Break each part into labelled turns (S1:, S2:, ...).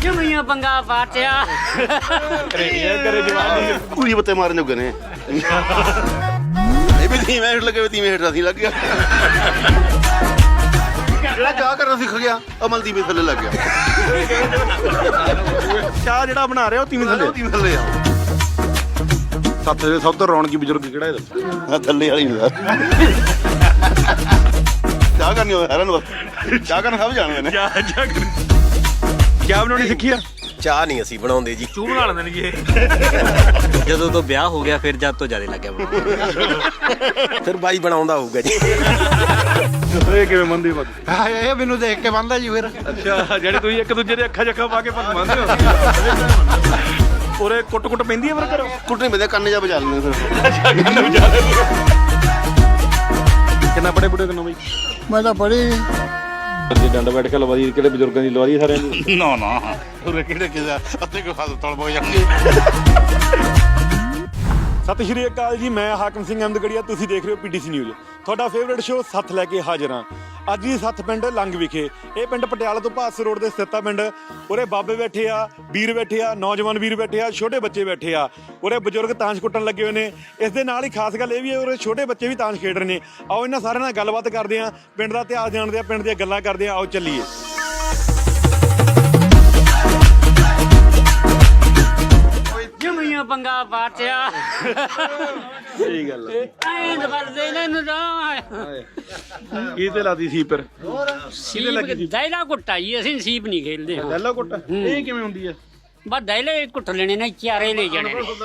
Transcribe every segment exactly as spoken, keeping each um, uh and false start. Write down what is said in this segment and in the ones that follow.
S1: ਜਮੀਆਂ ਪੰਗਾ ਪਾਟਿਆ
S2: ਕਰੇ ਜਵਾਨੀ
S3: ਪੂਰੀ ਬੱਤੇ ਮਾਰਨ ਜੋਗੇ ਨੇ ਇਹ ਵੀ ਧੀਵੇਂ ਹੇਠ ਲੱਗੇ ਧੀਵੇਂ ਹੇਠ ਅਸੀਂ ਲੱਗ ਗਿਆ ਜਿਹੜਾ ਚਾਹ ਕਰਨਾ ਸਿੱਖ ਗਿਆ ਅਮਲ ਦੀ ਵੀ ਥੱਲੇ ਲੱਗ ਗਿਆ
S2: ਚਾਹ ਜਿਹੜਾ ਬਣਾ ਰਿਹਾ ਉਹ ਤੀਵੀਂ ਥੱਲੇ
S3: ਧੀਵੇਂ ਥੱਲੇ ਆ
S2: ਸੱਤ ਦੇ ਸਭ ਤੋਂ ਰੌਣਕੀ ਬਜ਼ੁਰਗ ਕਿਹੜਾ ਇਹ ਦੱਸੋ
S3: ਆ ਥੱਲੇ ਵਾਲੀ ਨੂੰ ਚਾਹ ਕਰਨੀ ਹੋਵੇ ਹੈਰਾਨ ਬਸ ਚਾਹ ਕਰਨ ਸਭ ਜਾਣਦੇ ਨੇ
S2: ਚਾਹ ਚਾਹ ਚਾਹ ਬਣਾਉਣੀ ਸਿੱਖੀ ਆ
S4: ਚਾਹ ਨਹੀਂ ਅਸੀਂ ਬਣਾਉਂਦੇ ਜੀ
S2: ਚੂਹ ਬਣਾ ਲੈਂਦੇ ਨੇ ਜੀ ਇਹ
S4: ਜਦੋਂ ਤੋਂ ਵਿਆਹ ਹੋ ਗਿਆ ਫਿਰ ਜਦ ਤੋਂ ਜ਼ਿਆਦਾ ਲੱਗਿਆ ਬਣਾਉਣ ਫਿਰ ਬਾਈ ਬਣਾਉਂਦਾ ਹੋਊਗਾ ਜੀ
S2: ਇਹ ਕਿਵੇਂ ਮੰਨਦੇ ਹੋ
S5: ਹਾਂ ਇਹ ਮੈਨੂੰ ਦੇਖ ਕੇ ਬੰਦਾ ਜੀ ਫਿਰ
S2: ਅੱਛਾ ਜਿਹੜੇ ਤੁਸੀਂ ਇੱਕ ਦੂਜੇ ਦੇ ਅੱਖਾਂ ਜੱਖਾਂ ਪਾ ਕੇ ਭੰਗ ਮੰਨਦੇ ਹੋ ਉਰੇ ਕੁੱਟ ਕੁੱਟ ਪੈਂਦੀ ਹੈ ਫਿਰ ਕਰੋ
S3: ਕੁੱਟਣੀ ਪੈਂਦੇ ਕੰਨ ਜਾ ਬਜਾ ਲੈਂਦੇ ਫਿਰ
S2: ਕਿੰਨਾ ਬੜੇ ਬੁੜੇ ਕਿੰਨਾ ਬਈ
S5: ਮੈਂ ਤਾਂ ਪੜੀ
S2: ਜੇ ਡੰਡ ਬੈਠ ਕੇ ਲਵਾਦੀ ਕਿਹੜੇ ਬਜ਼ੁਰਗਾਂ ਦੀ ਲਵਾਦੀ ਸਾਰਿਆਂ ਦੀ
S3: ਨਾ ਨਾ ਉਰੇ ਕਿਹੜੇ ਕਿਹਦਾ ਅੱਧੇ ਕੋ ਖਾਦ ਤਲ ਬੋ ਜਾਂਦੇ
S2: ਸਤਿ ਸ਼੍ਰੀ ਅਕਾਲ ਜੀ ਮੈਂ ਹਾਕਮ ਸਿੰਘ ਅਹਿਮਦਗੜੀਆ ਤੁਸੀਂ ਦੇਖ ਰਹੇ ਹੋ ਪੀਟੀਸੀ ਨਿਊਜ਼ ਤੁਹਾਡਾ ਫੇਵਰੇਟ ਸ਼ੋਅ ਸੱਥ ਲੈ ਕੇ ਹਾਜ਼ਰ ਹਾਂ ਅੱਜ ਦੀ ਸੱਥ ਪਿੰਡ ਲੰਗ ਵਿਖੇ ਇਹ ਪਿੰਡ ਪਟਿਆਲਾ ਤੋਂ ਭਾਸ ਰੋਡ ਦੇ ਸਥਿਤ ਆ ਪਿੰਡ ਉਰੇ ਬਾਬੇ ਬੈਠੇ ਆ ਵੀਰ ਬੈਠੇ ਆ ਨੌਜਵਾਨ ਵੀਰ ਬੈਠੇ ਆ ਛੋਟੇ ਬੱਚੇ ਬੈਠੇ ਆ ਉਰੇ ਬਜ਼ੁਰਗ ਤਾਂਸ਼ ਕੁੱਟਣ ਲੱਗੇ ਹੋਏ ਨੇ ਇਸ ਦੇ ਨਾਲ ਹੀ ਖਾਸ ਗੱਲ ਇਹ ਵੀ ਹੈ ਉਰੇ ਛੋਟੇ ਬੱਚੇ ਵੀ ਤਾਂਸ਼ ਖੇਡ ਰਹੇ ਨੇ ਆਓ ਇਹਨਾਂ ਸਾਰਿਆਂ ਨਾਲ ਗੱਲਬਾਤ ਕਰਦੇ ਆ ਪਿੰਡ ਦਾ ਇਤਿਹਾਸ ਜਾਣਦੇ ਆ ਪਿੰਡ ਦੀਆਂ ਗੱਲਾਂ ਕਰਦੇ ਆ ਆਓ ਚੱਲੀਏ
S1: ਜਮੀਆਂ ਪੰਗਾ ਪਾਟਿਆ
S2: ਸਹੀ ਗੱਲ
S1: ਐਂ ਵਰਦੇ ਨੇ ਨੂੰ
S2: ਕੀ ਤੇ ਲਾਦੀ ਸੀ ਪਰ
S1: ਸੀਪ ਦੈਲਾ ਕੁੱਟਾ ਜੀ ਅਸੀਂ ਸੀਪ ਨਹੀਂ ਖੇਲਦੇ ਹਾਂ
S2: ਪਹਿਲਾ ਕੁੱਟ ਇਹ ਕਿਵੇਂ ਹੁੰਦੀ ਹੈ
S1: ਬਸ ਦੈਲੇ ਕੁੱਟ ਲੈਣੇ ਨੇ ਚਾਰੇ ਲੈ ਜਾਣੇ ਨੇ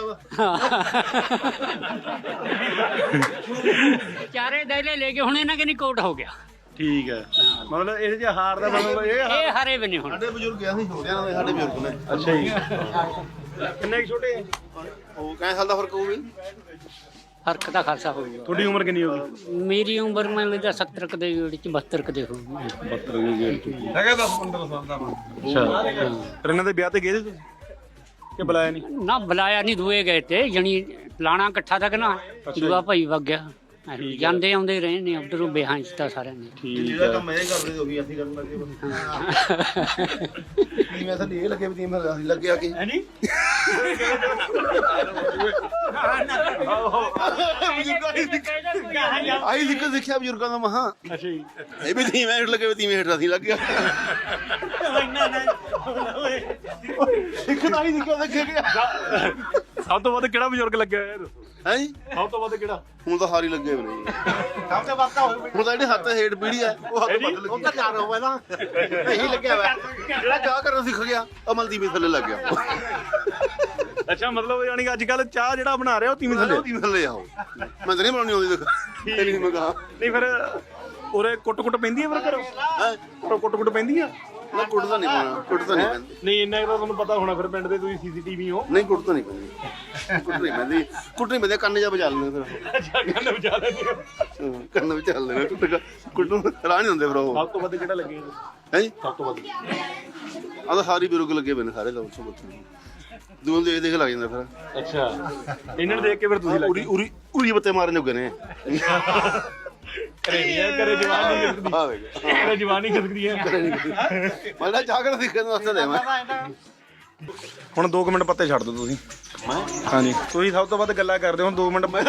S1: ਚਾਰੇ ਦੈਲੇ ਲੈ ਕੇ ਹੁਣ ਇਹਨਾਂ ਕਿ ਨਹੀਂ ਕੋਟ ਹੋ ਗਿਆ
S2: ਠੀਕ ਹੈ ਮਤਲਬ ਇਹਦੇ ਚ ਹਾਰ ਦਾ ਮਤਲਬ ਇਹ
S1: ਇਹ ਹਰੇ ਵੀ ਨਹੀਂ ਹੁਣ
S3: ਸਾਡੇ ਬਜ਼ੁਰਗ ਆ ਅਸੀਂ ਛੋਟਿਆਂ ਨਾਲ ਸਾਡੇ ਬਜ਼ੁਰਗ ਨੇ
S2: ਅੱਛਾ ਜੀ ਕਿੰਨੇ ਕੁ ਛੋਟੇ ਆ
S3: ਉਹ ਕਿੰਨੇ ਸਾਲ ਦਾ ਫਰਕ ਹੋਊ ਵੀ
S1: ਫਰਕ ਤਾਂ ਖਾਸਾ ਹੋ ਗਿਆ
S2: ਤੁਹਾਡੀ ਉਮਰ ਕਿੰਨੀ ਹੋ ਗਈ
S1: ਮੇਰੀ ਉਮਰ ਮੈਂ ਲੱਗਦਾ ਸੱਤਰ ਕ ਦੇ ਵਿੱਚ ਬਹੱਤਰ ਕ ਦੇ ਹੋ
S2: ਬਹੱਤਰ ਦੀ ਗੇੜ ਹੈਗਾ ਦਸ ਪੰਦਰਾਂ ਸਾਲ ਦਾ ਅੱਛਾ ਫਿਰ ਇਹਨਾਂ ਦੇ ਵਿਆਹ ਤੇ ਗਏ ਸੀ ਤੁਸੀਂ ਕਿ ਬੁਲਾਇਆ ਨਹੀਂ
S1: ਨਾ ਬੁਲਾਇਆ ਨਹੀਂ ਦੂਏ ਗਏ ਤੇ ਜਣੀ ਲਾਣਾ ਇਕੱਠਾ ਤੱਕ ਨਾ ਦੂਆ ਭਾਈ ਵਗ ਗਿਆ ਜਾਂਦੇ ਆਉਂਦੇ ਰਹੇ ਨੇ ਉਧਰੋਂ ਬਿਹਾਰ ਚ ਤਾਂ ਸਾਰਿਆਂ ਨੇ
S2: ਠੀਕ ਹੈ
S3: ਕੰਮ ਇਹ ਕਰਦੇ ਉਹੀ ਅਸੀਂ ਕਰਨ ਲੱਗੇ ਮੈਂ ਤਾਂ ਇਹ ਲੱਗੇ ਵੀ ਮੈਂ ਅਸੀਂ ਲੱਗਿਆ ਕਿ
S2: ਹੈ ਨਹੀਂ
S3: ਆਈ ਸਿੱਖ ਸਿੱਖਿਆ ਬਜ਼ੁਰਗਾਂ ਦਾ ਮਹਾ
S2: ਅੱਛਾ ਜੀ
S3: ਇਹ ਵੀ ਧੀਵੇਂ ਹੇਠ ਲੱਗੇ ਧੀਵੇਂ ਹੇਠ ਅਸੀਂ ਲੱਗ ਗਿਆ ਸਿੱਖਦਾ ਹੀ ਸਿੱਖਿਆ ਸਿੱਖ ਗਿਆ
S2: ਸਭ ਤੋਂ ਵੱਧ ਕਿਹੜਾ ਬਜ਼ੁਰਗ ਲੱਗਿਆ ਹੋਇਆ ਦੱਸੋ
S3: ਹੈ ਜੀ
S2: ਸਭ ਤੋਂ ਵੱਧ ਕਿਹੜਾ
S3: ਹੁਣ ਤਾਂ ਹਾਰੀ ਲੱਗੇ ਹੋਏ ਨੇ ਸਭ ਤੋਂ ਵੱਧ ਹੁਣ ਤਾਂ ਜਿਹੜੇ ਹੱਥ ਹੇਠ ਪੀੜੀ ਆ ਉਹ ਹੱਥ ਬਦਲ ਲੱਗੀ ਉਹ ਤਾਂ ਚਾਰ ਹੋਵੇ ਨਾ ਇਹੀ ਲੱਗਿਆ ਹੋਇਆ ਜਿਹੜਾ ਚਾਹ ਕਰਨਾ ਸਿੱਖ ਗਿਆ ਅਮਲ ਦੀ ਵੀ ਥੱਲੇ ਲੱਗ ਗਿਆ
S2: ਅੱਛਾ ਮਤਲਬ ਯਾਨੀ ਕਿ ਅੱਜ ਕੱਲ ਚਾਹ ਜਿਹੜਾ ਬਣਾ ਰਿਹਾ ਉਹ ਤੀਵੀਂ ਥੱਲੇ
S3: ਧੀਵੇਂ ਥੱਲੇ ਆਓ ਮੈਂ ਤਾਂ ਨਹੀਂ ਬਣਾਉਣੀ ਆਉਂਦੀ ਦੇਖ ਇਹ ਨਹੀਂ ਮੈਂ ਕਹਾ
S2: ਨਹੀਂ ਫਿਰ ਉਰੇ ਕੁੱਟ ਕੁੱਟ ਪੈਂਦੀ ਹੈ ਫਿਰ ਕਰੋ
S3: ਹੈ
S2: ਕੁੱਟ ਕੁੱਟ ਪੈਂਦੀ ਆ
S3: ਨਾ ਕੁੱਟਦਾ ਨਹੀਂ ਪਾਉਣਾ ਕੁੱਟਦਾ ਨਹੀਂ ਪੈਂਦੀ
S2: ਨਹੀਂ ਇੰਨਾ ਤਾਂ ਤੁਹਾਨੂੰ ਪਤਾ ਹੋਣਾ ਫਿਰ ਪਿੰਡ ਦੇ ਤੁਸੀਂ ਸੀਸੀਟੀਵੀ ਹੋ
S3: ਨਹੀਂ ਕੁੱਟਦਾ ਨਹੀਂ ਪੈਂਦੀ ਕੁੱਟਣੀ ਪੈਂਦੀ ਕੁੱਟਣੀ ਪੈਂਦੀ ਕੰਨ ਜਾ ਬਜਾ ਲੈਂਦੇ ਫਿਰ
S2: ਅੱਛਾ ਕੰਨ ਵਜਾ ਲੈਂਦੇ ਹੋ
S3: ਕੰਨ ਵਿੱਚ ਚੱਲ ਲੈਣਾ ਕੁੱਟ ਕੁੱਟੂ ਰਾਹ ਨਹੀਂ ਹੁੰਦੇ ਫਿਰ ਉਹ
S2: ਸਭ ਤੋਂ ਵੱਧ ਕਿਹੜਾ ਲੱਗੇ
S3: ਹੈ ਜੀ
S2: ਸਭ ਤੋਂ ਵੱਧ
S3: ਆਹ ਤਾਂ ਸਾਰੇ ਬਿਰੁਗ ਲੱਗੇ ਪਏ ਨੇ ਸਾਰੇ ਲੋਕ ਸਭ ਦੂਰ ਦੇਖ ਦੇਖ ਲੱਗ ਜਾਂਦਾ ਫਿਰ
S2: ਅੱਛਾ ਇਹਨਾਂ ਨੂੰ ਦੇਖ ਕੇ ਫਿਰ ਤੁਸੀਂ
S3: ਉਰੀ ਉਰੀ ਉਰੀ ਬੱਤੇ ਮਾਰਨ ਜੋਗੇ ਨੇ
S2: ਕਰੇ ਨਹੀਂ ਕਰੇ ਜਵਾਨੀ ਖਿਸਕਦੀ
S3: ਆ ਵੇਖ
S2: ਕਰੇ ਜਵਾਨੀ ਖਿਸਕਦੀ ਹੈ
S3: ਮੈਂ ਤਾਂ ਚਾਹ ਕਰ ਸਿੱਖਣ ਵਾਸਤੇ ਦੇ ਮੈਂ
S2: ਹੁਣ ਦੋ ਮਿੰਟ ਪੱਤੇ ਛੱਡ ਦਿਓ ਤੁਸੀਂ ਹਾਂਜੀ ਤੁਸੀਂ ਸਭ ਤੋਂ ਵੱਧ ਗੱਲਾਂ ਕਰਦੇ ਹੋ ਹੁਣ ਦੋ ਮਿੰਟ ਮੈਂ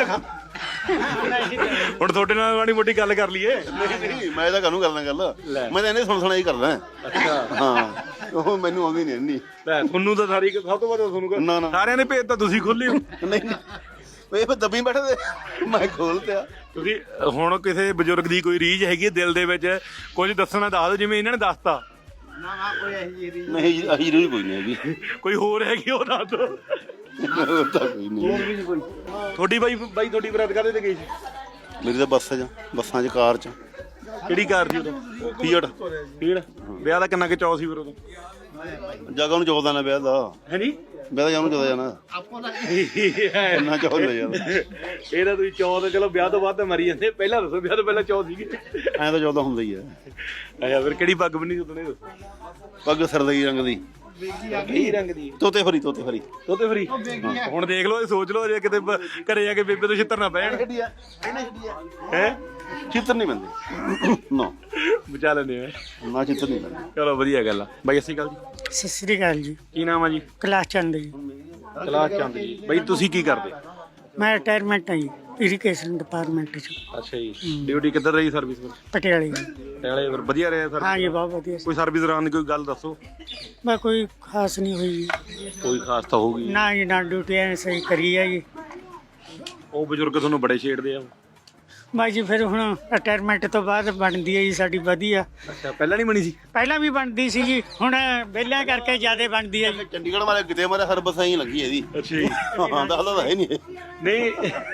S2: ਹੁਣ ਤੁਹਾਡੇ ਨਾਲ ਮਾੜੀ ਮੋਟੀ ਗੱਲ ਕਰ ਲਈਏ
S3: ਨਹੀਂ ਨਹੀਂ ਮੈਂ ਤਾਂ ਕਾਹਨੂੰ ਕਰਦਾ ਗੱਲ ਮੈਂ ਤਾਂ ਇਹਨੇ ਸੁਣ ਸੁਣਾ ਹੀ ਕਰਦਾ
S2: ਅੱਛਾ
S3: ਹਾਂ ਉਹ ਮੈਨੂੰ ਆਉਂਦੀ ਨਹੀਂ ਇੰਨੀ
S2: ਲੈ ਤੁਹਾਨੂੰ ਤਾਂ ਸਾਰੀ ਸਭ ਤੋਂ ਵੱਧ ਤੁਹਾਨੂੰ
S3: ਨਾ ਨਾ
S2: ਸਾਰਿਆਂ ਦੇ ਭੇਤ ਤਾਂ ਤੁਸੀਂ ਖੋਲੇ ਹੋ
S3: ਨਹੀਂ ਨਹੀਂ ਇਹ ਫਿਰ ਦੱਬੀ ਬੈਠੇ ਤੇ ਮੈਂ ਖੋਲ ਤਿਆ
S2: ਤੁਸੀਂ ਹੁਣ ਕਿਸੇ ਬਜ਼ੁਰਗ ਦੀ ਕੋਈ ਰੀਝ ਹੈਗੀ ਦਿਲ ਦੇ ਵਿੱਚ ਕੁਝ ਦੱਸਣਾ ਦੱਸ ਦਿਓ ਜਿਵੇਂ ਇਹਨਾਂ ਨੇ ਦੱਸਤਾ
S3: ਨਹੀਂ ਅਹੀ ਰੋਈ ਕੋਈ ਨਹੀਂ ਹੈਗੀ
S2: ਕੋਈ ਹੋਰ ਹੈਗੀ ਉਹ ਦੱਸ ਦਿਓ
S3: ਹੋਰ ਤਾਂ ਕੋਈ ਨਹੀਂ
S2: ਤੁਹਾਡੀ ਬਾਈ ਬਾਈ ਤੁਹਾਡੀ ਬਰਾਤ ਕਾਹਦੇ ਤੇ ਗਈ ਸੀ
S3: ਮੇਰੀ ਤਾਂ ਬੱਸ ਚ ਬੱਸਾਂ ਚ ਕਾਰ ਚ
S2: ਕਿਹੜੀ ਕਾਰ ਸੀ ਉਦੋਂ
S3: ਫੀਅਟ
S2: ਫੀੜ ਵਿਆਹ ਦਾ ਕਿੰਨਾ ਕਿ ਚੌ ਸੀ ਫਿਰ ਉਦੋਂ
S3: ਜਗ੍ਹਾ ਨੂੰ ਚੌਦਾਂ ਨਾ ਵਿਆਹ ਦਾ
S2: ਹੈ ਨਹੀਂ
S3: ਵਿਆਹ ਦਾ ਜਾਨੂੰ ਚੌਦਾਂ ਜਾਣਾ ਇੰਨਾ ਚੌਦ ਲੈ ਜਾਂਦਾ
S2: ਇਹਦਾ ਤੁਸੀਂ ਚੌ ਤਾਂ ਚਲੋ ਵਿਆਹ ਤੋਂ ਬਾਅਦ ਤਾਂ ਮਰੀ ਜਾਂਦੇ ਪਹਿਲਾਂ ਦੱਸੋ ਵਿਆਹ ਤੋਂ ਪਹਿਲਾਂ ਚੌ ਸੀਗੇ
S3: ਐਂ ਤਾਂ ਚੌਦਾਂ ਹੁੰਦਾ ਹੀ ਆ
S2: ਅੱਛਾ ਫਿਰ ਕਿਹੜੀ ਪੱਗ ਬੰਨੀ ਉਦੋਂ ਇਹ ਦੱਸੋ
S3: ਪੱਗ ਸਰਦਈ ਰੰਗ ਦੀ
S2: ਕਈ ਰੰਗ ਦੀ
S3: ਤੋਤੇ ਫਰੀ ਤੋਤੇ ਫਰੀ
S2: ਤੋਤੇ ਫਰੀ ਹੁਣ ਦੇਖ ਲਓ ਇਹ ਸੋਚ ਲਓ ਜੇ ਕਿਤੇ ਬ- ਘਰੇ ਜਾ ਕੇ ਬੇਬੇ ਤੋਂ ਛਿੱਤਰ ਨਾ ਪੈਣ
S3: ਛੱਡੀ ਆ ਇਹਨੇ ਛੱਡੀ ਆ
S2: ਹੈ
S3: ਚਿੱਤਰ ਨਹੀਂ ਬੰਦੇ ਨਾ
S2: ਬਚਾ ਲੈਂਦੇ ਆ
S3: ਨਾ ਚਿੱਤਰ ਨਹੀਂ ਬੰਦੇ
S2: ਚਲੋ ਵਧੀਆ ਗੱਲ ਆ ਬਾਈ ਸਤਿ ਸ਼੍ਰੀ ਅਕਾਲ ਜੀ
S6: ਸਤਿ ਸ੍ਰੀ ਅਕਾਲ ਜੀ।
S2: ਕੀ ਨਾਮ ਆ ਜੀ
S6: ਕਲਾਸ ਚੰਦ ਜੀ।
S2: ਕਲਾਸ ਚੰਦ ਜੀ ਬਾਈ ਤੁਸੀਂ ਕੀ ਕਰਦੇ
S6: ਮੈਂ ਰਿਟਾਇਰਮੈਂਟ ਹਾਂ ਜੀ ਇਰੀਗੇਸ਼ਨ ਡਿਪਾਰਟਮੈਂਟ ਚ
S2: ਅੱਛਾ ਜੀ ਡਿਊਟੀ ਕਿੱਧਰ ਰਹੀ ਸਰਵਿਸ ਵਿੱਚ
S6: ਪਟਿਆਲੇ ਜੀ।
S2: ਟੈਲੇ ਫਿਰ ਵਧੀਆ ਰਿਹਾ ਸਰ
S6: ਹਾਂ ਜੀ ਬਹੁਤ ਵਧੀਆ ਸੀ।
S2: ਕੋਈ ਸਰਵਿਸ ਦੌਰਾਨ ਦੀ ਕੋਈ ਗੱਲ ਦੱਸੋ
S6: ਮੈਂ ਕੋਈ ਖਾਸ ਨਹੀਂ ਹੋਈ ਜੀ।
S2: ਕੋਈ ਖਾਸ ਤਾਂ ਹੋਊਗੀ
S6: ਨਾ ਜੀ ਨਾ ਡਿਊਟੀ ਐ ਸਹੀ ਕਰੀ ਹੈ ਜੀ।
S2: ਉਹ ਬਜ਼ੁਰਗ ਤੁਹਾਨੂੰ ਬੜੇ ਛੇੜਦੇ ਆ
S6: ਮੈਂ ਜੀ ਫਿਰ ਹੁਣ ਰਿਟਾਇਰਮੈਂਟ ਤੋਂ ਬਾਅਦ ਬਣਦੀ ਹੈ ਜੀ ਸਾਡੀ ਵਧੀਆ।
S2: ਅੱਛਾ ਪਹਿਲਾਂ ਨਹੀਂ ਬਣੀ ਸੀ
S6: ਪਹਿਲਾਂ ਵੀ ਬਣਦੀ ਸੀ ਜੀ ਹੁਣ ਵਿਹਲਿਆਂ ਕਰਕੇ ਜ਼ਿਆਦਾ ਬਣਦੀ ਹੈ ਜੀ।
S3: ਚੰਡੀਗੜ੍ਹ ਵਾਲੇ ਕਿਤੇ ਮਾਰੇ ਹਰ ਬੱਸਾਂ ਹੀ ਲੱਗੀ ਇਹਦੀ
S2: ਅੱਛਾ ਜੀ
S3: ਹਾਂ ਦੱਸਦਾ ਤਾਂ ਹੈ ਨਹੀਂ
S2: ਨਹੀਂ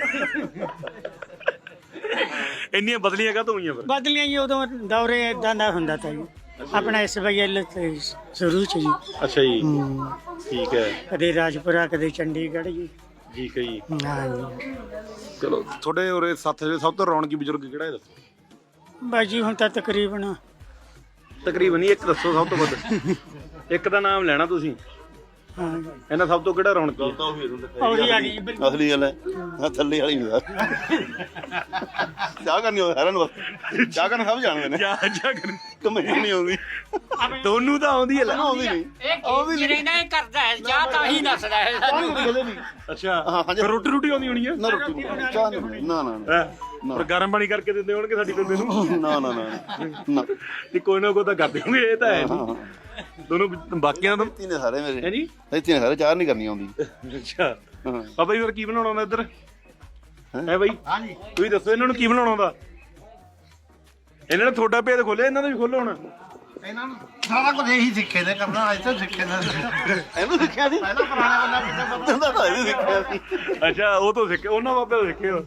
S2: ਇੰਨੀਆਂ ਬਦਲੀਆਂ ਕਾਹਤੋਂ ਹੋਈਆਂ ਫਿਰ
S6: ਬਦਲੀਆਂ ਜੀ ਉਦੋਂ ਦੌਰੇ ਇਦਾਂ ਦਾ ਹੁੰਦਾ ਤਾਂ ਜੀ ਆਪਣਾ ਇਸ ਵਜ੍ਹਾ ਤੇ ਸ਼ੁਰੂ ਚ ਜੀ।
S2: ਅੱਛਾ ਜੀ
S6: ਹੂੰ।
S2: ਠੀਕ ਹੈ
S6: ਕਦੇ ਰਾਜਪੁਰਾ ਕਦੇ ਚੰਡੀਗੜ੍ਹ ਜੀ।
S2: ਠੀਕ ਹੈ ਜੀ
S6: ਹਾਂ ਜੀ।
S2: ਚਲੋ ਤੁਹਾਡੇ ਉਰੇ ਸੱਥ ਦੇ ਸਭ ਤੋਂ ਰੌਣਕੀ ਬਜ਼ੁਰਗ ਕਿਹੜਾ ਹੈ ਦੱਸੋ
S6: ਬਸ ਜੀ ਹੁਣ ਤਾਂ ਤਕਰੀਬਨ
S2: ਤਕਰੀਬਨ ਹੀ ਇੱਕ ਦੱਸੋ ਸਭ ਤੋਂ ਵੱਧ ਇੱਕ ਦਾ ਨਾਮ ਲੈਣਾ ਤੁਸੀਂ
S6: ਹਾਂ ਜੀ।
S2: ਇਹਨਾਂ ਸਭ ਤੋਂ ਕਿਹੜਾ ਰੌਣਕੀ ਹੈ?
S3: ਤਾਂ ਉਹ ਵੀ ਇਹਨੂੰ
S6: ਉਹੀ ਆ ਗਈ
S3: ਅਸਲੀ ਗੱਲ ਹੈ ਆ ਥੱਲੇ ਵਾਲੀ ਨਹੀਂ ਯਾਰ ਚਾਹ ਕਰਨੀ ਹੋਵੇ ਹੈਰਾਨ ਬਸ ਚਾਹ ਕਰਨ ਸਭ ਜਾਣਦੇ ਨੇ
S2: ਜਾ ਜਾ ਕਰ
S3: ਕਮੇਟੀ ਨਹੀਂ ਆਉਂਦੀ
S2: ਤੁਹਾਨੂੰ ਤਾਂ ਆਉਂਦੀ ਹੈ ਲੈ
S3: ਆਉਂਦੀ ਨਹੀਂ
S1: ਇਹ ਜਿਹੜੇ ਨਾ ਇਹ ਕਰਦਾ ਹੈ ਜਾਂ ਤਾਂ ਹੀ ਦੱਸਦਾ ਹੈ ਸਾਨੂੰ
S3: ਕਦੇ ਨਹੀਂ
S2: ਅੱਛਾ
S3: ਹਾਂ, ਹਾਂਜੀ।
S2: ਫਿਰ ਰੋਟੀ ਰੋਟੀ ਆਉਂਦੀ ਹੋਣੀ ਹੈ
S3: ਨਾ ਰੋਟੀ ਬਣਾਉਣੀ, ਚਾਹ ਨਹੀਂ ਬਣਾਉਣੀ, ਨਾ ਨਾ ਨਾ
S2: ਹੈਂ? ਪਰ ਗਰਮ ਪਾਣੀ ਕਰਕੇ ਦਿੰਦੇ ਹੋਣਗੇ ਸਾਡੀ ਬੇਬੇ ਨੂੰ
S3: ਨਾ ਨਾ ਨਾ ਨਾ
S2: ਤੇ ਕੋਈ ਨਾ ਕੋਈ ਤਾਂ ਕਰਦੇ ਹੋਣਗੇ ਇਹ ਤਾਂ ਹੈ
S3: ਹਾਂ
S2: ਨਹੀਂ ਦੋਨੋਂ ਬਾਕੀਆਂ ਤੋਂ
S3: ਇੱਥੇ ਨੇ ਸਾਰੇ ਮੇਰੇ
S2: ਹੈ ਜੀ
S3: ਇੱਥੇ ਨੇ ਸਾਰੇ ਚਾਹ ਨਹੀਂ ਕਰਨੀ ਆਉਂਦੀ
S2: ਅੱਛਾ
S3: ਹਾਂ
S2: ਬਾਬਾ ਜੀ ਫਿਰ ਕੀ ਬਣਾਉਣਾ ਹੁੰਦਾ ਇੱਧਰ ਹੈ ਬਾਈ ਹਾਂਜੀ ਤੁਸੀਂ ਦੱਸੋ ਇਹਨਾਂ ਨੂੰ ਕੀ ਬਣਾਉਣਾ ਹੁੰਦਾ ਇਹਨਾਂ ਨੇ ਤੁਹਾਡਾ ਭੇਦ ਖੋਲਿਆ ਇਹਨਾਂ ਦਾ ਵੀ ਖੋਲੋ ਹੁਣ
S5: ਇਹਨਾਂ ਨੂੰ ਸਾਰਾ ਕੁਝ ਇਹੀ ਸਿੱਖੇ ਨੇ ਕਰਨਾ ਅੱਜ ਤੱਕ ਸਿੱਖੇ ਨੇ
S3: ਇਹਨੂੰ ਸਿੱਖਿਆ ਸੀ
S5: ਪਹਿਲਾਂ ਪੁਰਾਣਾ ਬੰਦਾ
S3: ਬੰਦਾ ਤਾਂ ਇਹਨੂੰ ਸਿੱਖਿਆ ਸੀ
S2: ਅੱਛਾ ਉਹ ਤੋਂ ਸਿੱਖੇ ਉਹਨਾਂ ਬਾਬੇ ਤੋਂ ਸਿੱਖੇ ਹੋ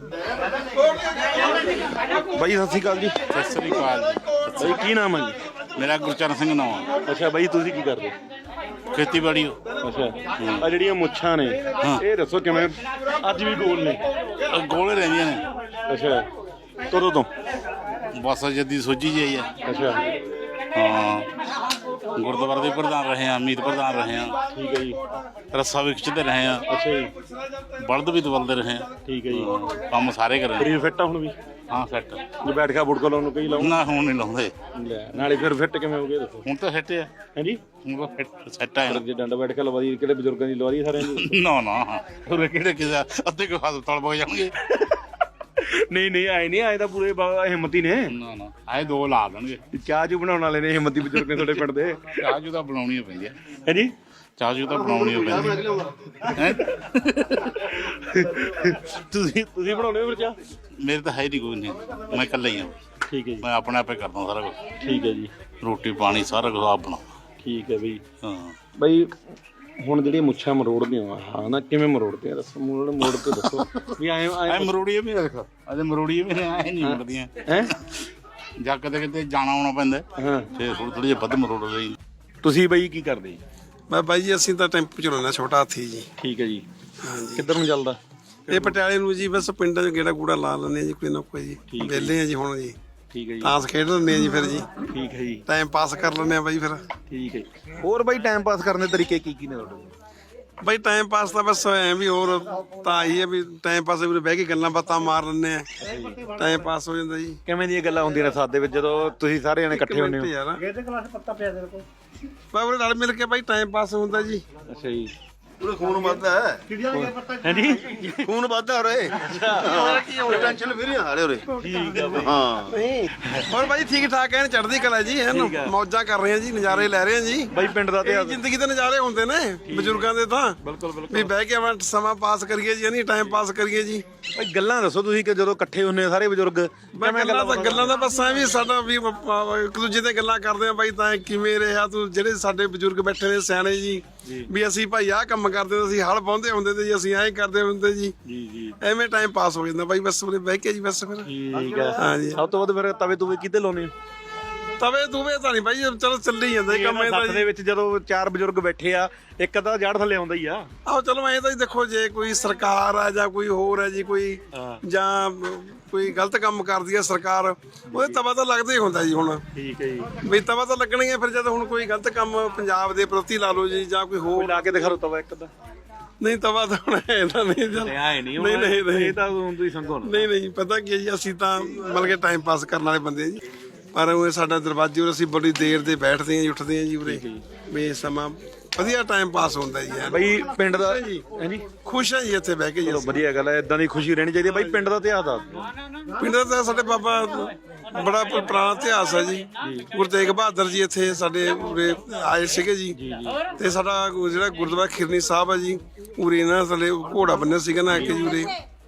S2: ਬਾਈ ਸਤਿ ਸ਼੍ਰੀ ਅਕਾਲ ਜੀ
S7: ਸਤਿ ਸ੍ਰੀ ਅਕਾਲ ਜੀ।
S2: ਬਾਈ ਕੀ ਨਾਮ ਹੈ ਜੀ
S7: ਮੇਰਾ ਗੁਰਚਰਨ ਸਿੰਘ ਨਾਮ ਆ।
S2: ਅੱਛਾ ਬਾਈ ਤੁਸੀਂ ਕੀ ਕਰਦੇ
S7: ਖੇਤੀਬਾੜੀ
S2: ਅੱਛਾ ਆ ਜਿਹੜੀਆਂ ਮੁੱਛਾਂ ਨੇ ਇਹ ਦੱਸੋ ਕਿਵੇਂ ਅੱਜ ਵੀ ਗੋਲ ਨੇ
S7: ਅ, ਗੋਲੇ ਰਹਿੰਦੀਆਂ ਨੇ
S2: ਅੱਛਾ ਕਦੋਂ ਤੋਂ
S7: ਬਸ ਜੱਦੀ ਸੋਝੀ ਜਿਹੀ ਆ।
S2: ਅੱਛਾ
S7: ਹਾਂ ਗੁਰਦੁਆਰੇ ਦੇ ਪ੍ਰਧਾਨ ਰਹੇ ਆ ਅਮੀਤ ਪ੍ਰਧਾਨ ਰਹੇ ਆ
S2: ਠੀਕ ਹੈ ਜੀ
S7: ਰੱਸਾ ਵੀ ਖਿੱਚਦੇ ਰਹੇ ਆ
S2: ਅੱਛਾ ਜੀ
S7: ਬਲਦ ਵੀ ਦਵਲਦੇ ਰਹੇ ਆ
S2: ਠੀਕ ਹੈ ਜੀ
S7: ਕੰਮ ਸਾਰੇ ਕਰੇ
S2: ਸਰੀਰ ਫਿੱਟ ਆ ਹੁਣ ਵੀ
S7: ਹਾਂ ਫਿੱਟ
S2: ਜੇ ਬੈਠ ਕੇ ਬੁੜਕਾ ਲਾਉਣ ਨੂੰ ਕਈ ਲਾਉਂ
S7: ਨਾ ਹੁਣ ਨਹੀਂ ਲਾਉਂਦੇ
S2: ਲੈ ਨਾਲੇ ਫਿਰ ਫਿੱਟ ਕਿਵੇਂ ਹੋ ਗਏ ਦੱਸੋ
S7: ਹੁਣ ਤਾਂ ਫਿੱਟ ਆ
S2: ਹਾਂਜੀ
S7: ਹੁਣ ਤਾਂ ਫਿੱਟ ਸੈੱਟ ਆ
S2: ਜੇ ਡੰਡਾ ਬੈਠ ਕੇ ਲਵਾ ਦੀ ਕਿਹੜੇ ਬਜ਼ੁਰਗਾਂ ਦੀ ਲਵਾ ਦੀ ਸਾਰਿਆਂ ਦੀ
S7: ਨਾ ਨਾ ਉਹ ਕਿਹੜੇ ਕਿਸੇ ਅੱਧੇ ਕੋ ਹਸਪਤਾਲ ਪਹੁੰਚ ਜਾਣਗੇ
S2: ਨਹੀਂ ਨਹੀਂ ਆਏ ਨਹੀਂ ਆਏ ਤਾਂ ਪੂਰੇ ਬਾ- ਹਿੰਮਤੀ ਨੇ
S7: ਨਾ ਨਾ ਆਏ ਦੋ ਲਾ ਦੇਣਗੇ
S2: ਚਾਹ ਚੂ ਬਣਾਉਣ ਵਾਲੇ ਨੇ ਹਿੰਮਤੀ ਬਜ਼ੁਰਗ ਨੇ ਤੁਹਾਡੇ ਪਿੰਡ ਦੇ
S7: ਚਾਹ ਜੂ ਤਾਂ ਬਣਾਉਣੀ ਪੈਂਦੀ ਆ
S2: ਹਾਂਜੀ
S7: ਚਾਹ ਜੂ ਤਾਂ ਬਣਾਉਣੀ ਓ ਪੈਂਦੀ ਹੈ
S2: ਤੁਸੀਂ ਤੁਸੀਂ ਬਣਾਉਣੇ ਹੋ ਫਿਰ ਚਾਹ
S7: ਮੇਰੇ ਤਾਂ ਹੈ ਨਹੀਂ ਕੋਈ ਨਹੀਂ ਮੈਂ ਇਕੱਲਾ ਹੀ ਆ
S2: ਠੀਕ ਹੈ ਜੀ
S7: ਮੈਂ ਆਪਣੇ ਆਪੇ ਕਰਦਾ ਸਾਰਾ ਕੁਝ
S2: ਠੀਕ ਹੈ ਜੀ
S7: ਰੋਟੀ ਪਾਣੀ ਸਾਰਾ ਕੁਝ ਆਪ ਬਣਾਉਂਦਾ
S2: ਠੀਕ ਹੈ ਬਈ
S7: ਹਾਂ
S2: ਬਈ ਹੁਣ ਜਿਹੜੀਆਂ ਮੁੱਛਾਂ ਮਰੋੜਦੀਆਂ ਵਾ ਹਾਂ ਨਾ ਕਿਵੇਂ ਮਰੋੜਦੇ ਆ ਦੱਸੋ ਮੋੜ ਮੋੜ ਕੇ ਦੱਸੋ ਵੀ ਆਏ
S7: ਐ
S2: ਆਏ
S7: ਮਰੋੜੀਏ ਵੀ ਰੱਖ ਅਜੇ ਮਰੋੜੀਏ ਵੀ ਐ ਨਹੀਂ ਮੁੜਦੀਆਂ
S2: ਹੈ
S7: ਜਾਂ ਕਦੇ ਕਿਤੇ ਜਾਣਾ ਆਉਣਾ ਪੈਂਦਾ
S2: ਹਾਂ
S7: ਫੇਰ ਥੋੜੀ ਥੋੜੀ ਜਿਹੀ ਵੱਧ ਮਰੋੜ ਲਈ
S2: ਤੁਸੀਂ ਬਈ ਕੀ ਕਰਦੇ ਜੀ
S5: ਮੈਂ ਬਾਈ ਜੀ ਅਸੀਂ ਤਾਂ ਟੈਂਪੂ ਚਲਾਉਣਾ ਛੋਟਾ ਹਾਥੀ ਜੀ।
S2: ਠੀਕ ਹੈ ਜੀ
S5: ਹਾਂਜੀ
S2: ਕਿੱਧਰ ਨੂੰ ਚੱਲਦਾ
S5: ਇਹ ਪਟਿਆਲੇ ਨੂੰ ਜੀ ਬਸ ਪਿੰਡਾਂ 'ਚ ਗੇੜਾ ਗੂੜਾ ਲਾ ਲੈਂਦੇ ਆ ਜੀ ਕੋਈ ਨਾ ਕੋਈ ਜੀ
S2: ਠੀਕ ਹੈ
S5: ਵਿਹਲੇ ਆ ਜੀ ਹੁਣ ਜੀ
S2: ਠੀਕ ਹੈ ਜੀ
S5: ਤਾਂਸ ਖੇਡ ਲੈਂਦੇ ਆ ਜੀ ਫਿਰ ਜੀ
S2: ਠੀਕ ਹੈ ਜੀ
S5: ਟਾਈਮ ਪਾਸ ਕਰ ਲੈਂਦੇ ਆ ਬਾਈ ਫਿਰ
S2: ਠੀਕ ਹੈ ਜੀ। ਹੋਰ ਬਈ ਟਾਈਮ ਪਾਸ ਕਰਨ ਦੇ ਤਰੀਕੇ ਕੀ ਕੀ ਨੇ ਤੁਹਾਡੇ
S5: ਬਾਈ ਟਾਈਮ ਪਾਸ ਤਾਂ ਬਸ ਐ ਵੀ ਹੋਰ ਤਾਂ ਆਹੀ ਹੈ ਵੀ ਟਾਈਮ ਪਾਸ ਵੀ ਬਹਿ ਕੇ ਗੱਲਾਂ ਬਾਤਾਂ ਮਾਰ ਲੈਂਦੇ ਆ ਟਾਈਮ ਪਾਸ ਹੋ ਜਾਂਦਾ ਜੀ।
S2: ਕਿਵੇਂ ਦੀਆਂ ਗੱਲਾਂ ਹੁੰਦੀਆਂ ਨੇ ਸਾਥ ਦੇ ਵਿੱਚ ਜਦੋਂ ਤੁਸੀਂ ਸਾਰੇ ਜਣੇ ਇਕੱਠੇ ਹੁੰਦੇ ਹੋ
S5: ਯਾਰ ਇਹਦੇ ਕਲਾਸ ਪੱਤਾ ਪਿਆ ਦੇ ਕੋ ਬਾਬਰੇ ਨਾਲ ਮਿਲ ਕੇ ਬਾਈ ਟਾਈਮ ਪਾਸ ਹੁੰਦਾ ਜੀ।
S2: ਅੱਛਾ ਜੀ
S3: ਉਹਦਾ ਖੂਨ ਵੱਧਦਾ ਹੈ
S2: ਹਾਂਜੀ
S3: ਖੂਨ ਵੱਧਦਾ ਰੇ ਟੈਨਸ਼ਨ ਵੀ ਨਹੀਂ ਹਾਰੇ ਉਰੇ
S2: ਠੀਕ ਹੈ ਬਈ
S3: ਹਾਂ
S5: ਹੋਰ ਬਾਈ ਠੀਕ ਠਾਕ ਐਨ ਚੜ੍ਹਦੀ ਕਲਾ ਜੀ ਐਨ ਮੌਜਾਂ ਕਰ ਰਹੇ ਆ ਜੀ ਨਜ਼ਾਰੇ ਲੈ ਰਹੇ ਆ ਜੀ।
S2: ਬਈ ਪਿੰਡ ਦਾ
S5: ਇਹ
S2: ਤੇ
S5: ਜ਼ਿੰਦਗੀ ਦੇ ਨਜ਼ਾਰੇ ਹੁੰਦੇ ਨੇ ਬਜ਼ੁਰਗਾਂ ਦੇ ਤਾਂ
S2: ਬਿਲਕੁਲ ਬਿਲਕੁਲ
S5: ਵੀ ਬਹਿ ਕੇ ਆਪਾਂ ਸਮਾਂ ਪਾਸ ਕਰੀਏ ਜੀ ਨਹੀਂ ਟਾਈਮ ਪਾਸ ਕਰੀਏ ਜੀ।
S2: ਬਈ ਗੱਲਾਂ ਦੱਸੋ ਤੁਸੀਂ ਕਿ ਜਦੋਂ ਇਕੱਠੇ ਹੁੰਦੇ ਆ ਸਾਰੇ ਬਜ਼ੁਰਗ
S5: ਮੈਂ ਗੱਲਾਂ ਤਾਂ ਗੱਲਾਂ ਦਾ ਬਸ ਐ ਵੀ ਸਾਡਾ ਵੀ ਆਪਾਂ ਇੱਕ ਦੂਜੇ ਤੇ ਗੱਲਾਂ ਕਰਦੇ ਆ ਬਾਈ ਤਾਂ ਕਿਵੇਂ ਰਿਹਾ ਤੂੰ ਜਿਹੜੇ ਸਾਡੇ ਬਜ਼ੁਰਗ ਬੈਠੇ ਨੇ ਸਿਆਣੇ ਜੀ ਵੀ ਅਸੀਂ ਭਾਈ ਆਹ ਕੰਮ ਕਰਦੇ ਹੁੰਦੇ ਸੀ ਹਲ ਪਾਉਂਦੇ ਹੁੰਦੇ ਤੇ ਜੀ ਅਸੀਂ ਐਂ ਕਰਦੇ ਹੁੰਦੇ ਜੀ
S2: ਜੀ ਜੀ
S5: ਐਵੇਂ ਟਾਈਮ ਪਾਸ ਹੋ ਜਾਂਦਾ ਬਾਈ ਬਸ ਉਰੇ ਬਹਿ ਕੇ ਜੀ ਬਸ ਫਿਰ
S2: ਠੀਕ ਹੈ
S5: ਹਾਂ ਜੀ।
S2: ਸਭ ਤੋਂ ਵੱਧ ਫਿਰ ਤਵੇ ਤੁਵੇ ਕਿਤੇ ਲਾਉਨੇ
S5: ਤਵੇ ਤੂਵੇ ਤਾਂ ਨਹੀਂ ਬਾਈ, ਚਲੋ ਚੱਲੀ ਜਾਂਦਾ ਜੀ ਕੰਮ ਇਹਦਾ
S2: ਸੱਤ ਦੇ ਵਿੱਚ ਜਦੋਂ ਚਾਰ ਬਜ਼ੁਰਗ ਬੈਠੇ ਆ, ਇੱਕ ਅੱਧਾ ਜੜ ਥੱਲੇ ਆਉਂਦਾ ਹੀ ਆ।
S5: ਆਹੋ ਚਲੋ ਐਂ ਤਾਂ ਜੀ ਦੇਖੋ, ਜੇ ਕੋਈ ਸਰਕਾਰ ਆ ਜਾਂ ਕੋਈ ਹੋਰ ਹੈ ਜੀ, ਕੋਈ ਜਾਂ ਕੋਈ ਗਲਤ ਕੰਮ ਕਰਦੀ ਹੈ ਸਰਕਾਰ, ਉਹਦੇ ਤਵਾ ਤਾਂ ਲੱਗਦਾ ਹੀ ਹੁੰਦਾ ਜੀ। ਹੁਣ
S2: ਠੀਕ ਹੈ ਜੀ,
S5: ਵੀ ਤਵਾ ਤਾਂ ਲੱਗਣਾ ਹੀ ਹੈ ਫਿਰ, ਜਦ ਹੁਣ ਕੋਈ ਗਲਤ ਕੰਮ ਪੰਜਾਬ ਦੇ ਪ੍ਰਤੀ ਲਾ ਲਓ ਜੀ, ਜਾਂ ਕੋਈ ਹੋਰ
S2: ਲਾ ਕੇ ਦਿਖਾ ਰੋ ਤਵਾ ਇੱਕ ਅੱਧਾ।
S5: ਨਹੀਂ ਤਵਾ ਤਾਂ ਹੁਣ ਇਹਦਾ ਨਹੀਂ ਚੱਲ
S2: ਆਏ ਨਹੀਂ
S5: ਨਹੀਂ ਨਹੀਂ ਨਹੀਂ
S2: ਇਹ ਤਾਂ ਹੁਣ ਤੁਸੀਂ ਸੰਗੋ
S5: ਨਹੀਂ ਨਹੀਂ ਪਤਾ ਕੀ ਹੈ ਜੀ, ਅਸੀਂ ਤਾਂ ਮਤਲਬ ਕਿ ਟਾਈਮ ਪਾਸ ਕਰਨ ਵਾਲੇ ਬੰਦੇ ਆ ਜੀ, ਪਰ ਉਹ ਸਾਡਾ ਦਰਵਾਜ਼ੇ ਉਰੇ ਅਸੀਂ ਬੜੀ ਦੇਰ ਦੇ ਬੈਠਦੇ ਹਾਂ ਜੀ, ਉੱਠਦੇ ਹਾਂ ਜੀ ਉਰੇ, ਵੀ ਸਮਾਂ ਵਧੀਆ ਟਾਈਮ ਪਾਸ ਹੁੰਦਾ ਜੀ ਯਾਰ।
S2: ਬਈ ਪਿੰਡ ਦਾ ਹਾਂਜੀ
S5: ਖੁਸ਼ ਹਾਂ ਜੀ ਇੱਥੇ ਬਹਿ ਕੇ ਜੀ।
S2: ਚਲੋ ਵਧੀਆ ਗੱਲ ਹੈ, ਇਦਾਂ ਦੀ ਖੁਸ਼ੀ ਰਹਿਣੀ ਚਾਹੀਦੀ ਹੈ। ਬਈ ਪਿੰਡ ਦਾ ਇਤਿਹਾਸ ਦੱਸ ਦਿਓ।
S5: ਪਿੰਡ ਦਾ ਸਾਡੇ ਬਾਬਾ ਬੜਾ ਪ- ਪੁਰਾਣਾ ਇਤਿਹਾਸ ਹੈ ਜੀ। ਗੁਰੂ ਤੇਗ ਬਹਾਦਰ ਜੀ ਇੱਥੇ ਸਾਡੇ ਉਰੇ ਆਏ ਸੀਗੇ ਜੀ, ਤੇ ਸਾਡਾ ਗੁ- ਜਿਹੜਾ ਗੁਰਦੁਆਰਾ ਖਿਰਨੀ ਸਾਹਿਬ ਹੈ ਜੀ, ਉਰੇ ਨਾ ਥੱਲੇ ਘੋੜਾ ਬੰਨਿਆ ਸੀਗਾ ਨਾ ਆ ਕੇ ਜੀ ਉਰੇ,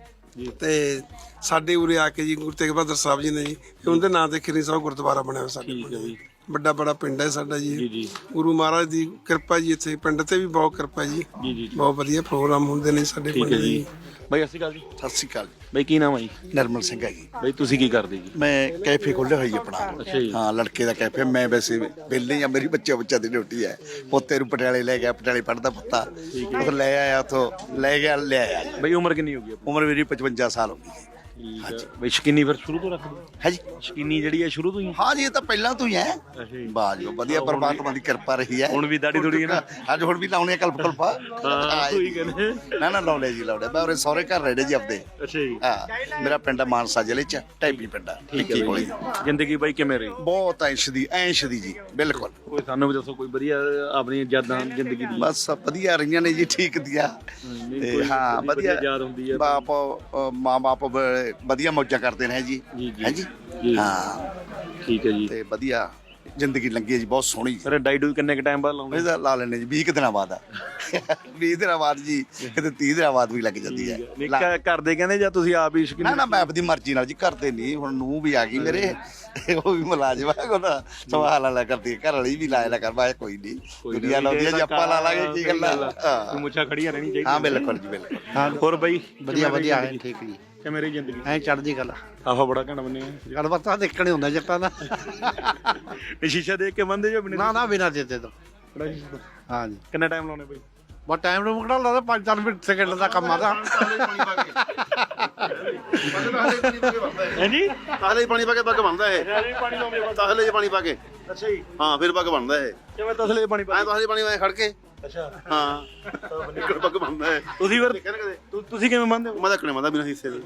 S5: ਤੇ ਸਾਡੇ ਉਰੇ ਆ ਕੇ ਜੀ ਗੁਰੂ ਤੇਗ ਬਹਾਦਰ ਸਾਹਿਬ ਜੀ ਨੇ ਜੀ, ਉਹਦੇ ਨਾਂ ਤੇ ਖਿਰਨੀ ਸਾਹਿਬ ਗੁਰਦੁਆਰਾ ਬਣਿਆ ਹੋਇਆ ਸਾਡੇ ਕੋਲ। ਵੱਡਾ ਬੜਾ ਪਿੰਡ ਹੈ ਸਾਡਾ ਜੀ, ਗੁਰੂ ਮਹਾਰਾਜ ਦੀ ਕਿਰਪਾ ਜੀ, ਇੱਥੇ ਪਿੰਡ ਤੇ ਵੀ ਬਹੁਤ ਕਿਰਪਾ ਜੀ, ਬਹੁਤ ਵਧੀਆ ਪ੍ਰੋਗਰਾਮ ਹੁੰਦੇ ਨੇ ਸਾਡੇ ਪਿੰਡ ਜੀ।
S2: ਬਈ ਸਤਿ ਸ਼੍ਰੀ ਅਕਾਲ ਜੀ।
S8: ਸਤਿ ਸ਼੍ਰੀ ਅਕਾਲ ਜੀ।
S2: ਬਈ ਕੀ ਨਾਮ ਹੈ ਜੀ?
S8: ਨਰਮਲ ਸਿੰਘ ਹੈ ਜੀ।
S2: ਬਈ ਤੁਸੀਂ ਕੀ ਕਰਦੇ ਜੀ?
S8: ਮੈਂ ਕੈਫੇ ਖੋਲ੍ਹਿਆ ਹੋਈ ਆਪਣਾ।
S2: ਅੱਛਾ ਜੀ।
S8: ਹਾਂ, ਲੜਕੇ ਦਾ ਕੈਫੇ। ਮੈਂ ਵੈਸੇ ਵਿਹਲੇ ਹੀ ਆ, ਮੇਰੀ ਬੱਚਾ ਬੱਚਾ ਦੀ ਡਿਊਟੀ ਹੈ। ਪੋਤੇ ਨੂੰ ਪਟਿਆਲੇ ਲੈ ਗਿਆ, ਪਟਿਆਲੇ ਪੜ੍ਹਦਾ ਪੁੱਤਾ, ਉਹ ਲੈ ਆਇਆ ਉੱਥੋਂ, ਲੈ ਗਿਆ ਲੈ ਆਇਆ।
S2: ਬਈ ਉਮਰ ਕਿੰਨੀ ਹੋ ਗਈ?
S8: ਉਮਰ ਮੇਰੀ ਪਚਵੰਜਾ ਸਾਲ ਹੋ ਗਈ ਹੈ।
S2: ਹਾਂਜੀ। ਬਈ ਸ਼ਕੀਨੀ ਫਿਰ ਸ਼ੁਰੂ ਤੋਂ ਰੱਖਦੇ?
S8: ਹੈ ਜੀ।
S2: ਸ਼ਕੀਨੀ ਜਿਹੜੀ ਹੈ ਸ਼ੁਰੂ ਤੋਂ ਹੀ?
S8: ਹਾਂ ਜੀ, ਇਹ ਤਾਂ ਪਹਿਲਾਂ ਤੋਂ ਹੀ ਹੈ।
S2: ਅੱਛਾ ਜੀ।
S8: ਵਾਹ ਜੀ, ਵਧੀਆ ਪਰਮਾਤਮਾ ਦੀ ਕਿਰਪਾ ਰਹੀ ਹੈ।
S2: ਹੁਣ ਵੀ ਦਾੜੀ ਦੂੜੀ ਹੈ ਨਾ?
S8: ਅੱਜ ਹੁਣ ਵੀ ਲਾਉਣੇ ਆ ਕਲਪ ਕਲਪਾ।
S2: ਹਾਂ ਕੋਈ ਗੱਲ
S8: ਨਾ ਨਾ ਲਾਉਣੇ ਜੀ, ਲਾਉਣੇ। ਮੈਂ ਉਰੇ ਸਹੁਰੇ ਘਰ ਰਹਿਣੇ ਜੀ ਆਪਦੇ।
S2: ਅੱਛਾ ਜੀ।
S8: ਹਾਂ, ਮੇਰਾ ਪਿੰਡ ਆ ਮਾਨਸਾ ਜ਼ਿਲ੍ਹੇ ਚ, ਢਾਈਪੀ ਪਿੰਡ ਆ।
S2: ਠੀਕ ਹੈ ਬਈ। ਜ਼ਿੰਦਗੀ ਬਾਈ ਕਿਵੇਂ ਰਹੀ?
S8: ਬਹੁਤ ਐਸ਼ ਦੀ ਐਸ਼ ਦੀ ਜੀ, ਬਿਲਕੁਲ।
S2: ਕੋਈ ਸਾਨੂੰ ਵੀ ਦੱਸੋ ਕੋਈ ਵਧੀਆ ਆਪਣੀ ਯਾਦਾਂ ਜ਼ਿੰਦਗੀ ਦੀ।
S8: ਬਸ ਵਧੀਆ ਰਹੀਆਂ ਨੇ ਜੀ, ਠੀਕ ਦੀਆਂ। ਤੇ ਹਾਂ ਵਧੀਆ
S2: ਯਾਦ ਹੁੰਦੀ ਹੈ।
S8: ਬਾਪ ਮਾਂ ਬਾਪ ਵਧੀਆ ਮੌਜਾਂ ਕਰਦੇ ਨੇ ਜੀ। ਹੈ ਜੀ। ਹਾਂ
S2: ਠੀਕ ਹੈ ਜੀ।
S8: ਤੇ ਵਧੀਆ ਜ਼ਿੰਦਗੀ ਲੰਘੀ ਹੈ ਜੀ, ਬਹੁਤ ਸੋਹਣੀ।
S2: ਫਿਰ ਡਾਈਡੂ ਕਿੰਨੇ ਕ ਟਾਈਮ ਬਾਅਦ ਲਾਉਂਦੇ?
S8: ਇਹਦਾ ਲਾ ਲੈਣੇ ਜੀ ਵੀਹ ਕੁ ਦਿਨਾਂ ਬਾਅਦ ਆ। ਵੀਹ ਦਿਨਾਂ ਬਾਅਦ ਜੀ, ਕਿਤੇ ਤੀਹ ਦਿਨਾਂ ਬਾਅਦ ਵੀ ਲੱਗ ਜਾਂਦੀ ਹੈ।
S2: ਨਿੱਕਾ ਕਰਦੇ ਕਹਿੰਦੇ ਜਾਂ ਤੁਸੀਂ ਆਪ ਹੀ ਸ਼ਕੀਨ?
S8: ਨਾ ਨਾ, ਮੈਂ ਆਪਦੀ ਮਰਜ਼ੀ ਨਾਲ ਜੀ, ਕਰਦੇ ਨਹੀਂ। ਹੁਣ ਨੂੰਹ ਵੀ ਆ ਗਈ ਮੇਰੇ, ਉਹ ਵੀ ਮੁਲਾਜ਼ਮ ਆ, ਉਹਦਾ ਸਵਾਲ ਵਾਲਾ ਕਰਦੀ ਹੈ। ਘਰ ਵਾਲੀ ਵੀ ਲਾਇਆ ਕਰ, ਮੈਂ ਕੋਈ ਨਹੀਂ, ਦੁਨੀਆ ਲਾਉਂਦੀ ਹੈ ਜੀ, ਆਪਾਂ ਲਾ ਲਾਂਗੇ, ਕੀ ਗੱਲ ਆ।
S2: ਮੁੱਛਾਂ ਖੜੀਆਂ ਰਹਿਣੀ ਚਾਹੀਦੀ।
S8: ਹਾਂ ਬਿਲਕੁਲ ਜੀ, ਬਿਲਕੁਲ।
S2: ਹੋਰ ਬਾਈ
S6: ਵਧੀਆ ਵਧੀਆ ਹੈ, ਠੀਕ ਜੀ।
S2: ਕਿ ਮੇਰੀ ਜ਼ਿੰਦਗੀ
S6: ਐ ਚੜ੍ਹਦੀ ਗੱਲ
S2: ਆਹੋ ਬੜਾ ਘਣ ਬੰਨੇ ਆ।
S6: ਗੱਲਬਾਤ ਤਾਂ ਦੇਖਣੇ ਹੁੰਦਾ ਜੱਟਾਂ ਦਾ।
S2: ਇਹ ਸ਼ੀਸ਼ਾ ਦੇਖ ਕੇ ਬੰਦੇ ਜੋ ਬਿਨੇ?
S6: ਨਾ ਨਾ, ਬਿਨਾਂ ਦਿੱਤੇ ਤੋਂ। ਹਾਂ ਜੀ।
S2: ਕਿੰਨਾ ਟਾਈਮ ਲਾਉਣੇ ਬਾਈ?
S6: ਬਹੁਤ ਟਾਈਮ ਨੂੰ ਮੁਕੜਾ ਲੱਗਦਾ, ਪੰਜ ਚਾਰ ਮਿੰਟ ਸੈਕਿੰਡ ਦਾ ਕੰਮ ਆਦਾ।
S2: ਹਾਂਜੀ।
S3: ਤਾਹਲੇ 'ਚ ਪਾਣੀ ਪਾ ਕੇ ਪੱਗ ਬਣਦਾ ਇਹ।
S2: ਪਾਣੀ ਲਾਉਂਦੇ?
S3: ਤਾਹਲੇ 'ਚ ਪਾਣੀ ਪਾ ਕੇ।
S2: ਅੱਛਾ ਜੀ।
S3: ਹਾਂ, ਫਿਰ ਪੱਗ ਬਣਦਾ ਇਹ।
S2: ਕਿਵੇਂ ਤਸਲੇ ਪਾਣੀ ਪਾ?
S3: ਐ ਤਾਹਲੇ 'ਚ ਪਾਣੀ ਵਾਂ ਖੜ ਕੇ।
S2: ਅੱਛਾ।
S3: ਹਾਂ, ਨਿਕਲ ਪੱਗ ਬਣਦਾ ਇਹ।
S2: ਤੁਸੀਂ ਫਿਰ
S3: ਦੇਖਿਆ ਨਾ ਕਦੇ?
S2: ਤੁ- ਤੁਸੀਂ ਕਿਵੇਂ ਮੰਨਦੇ ਹੋ?
S3: ਮੈਂ ਤਾਂ ਕਣੇ ਮੰਦਾ ਬਿਨਾਂ ਹਿੱਸੇ ਦੇ।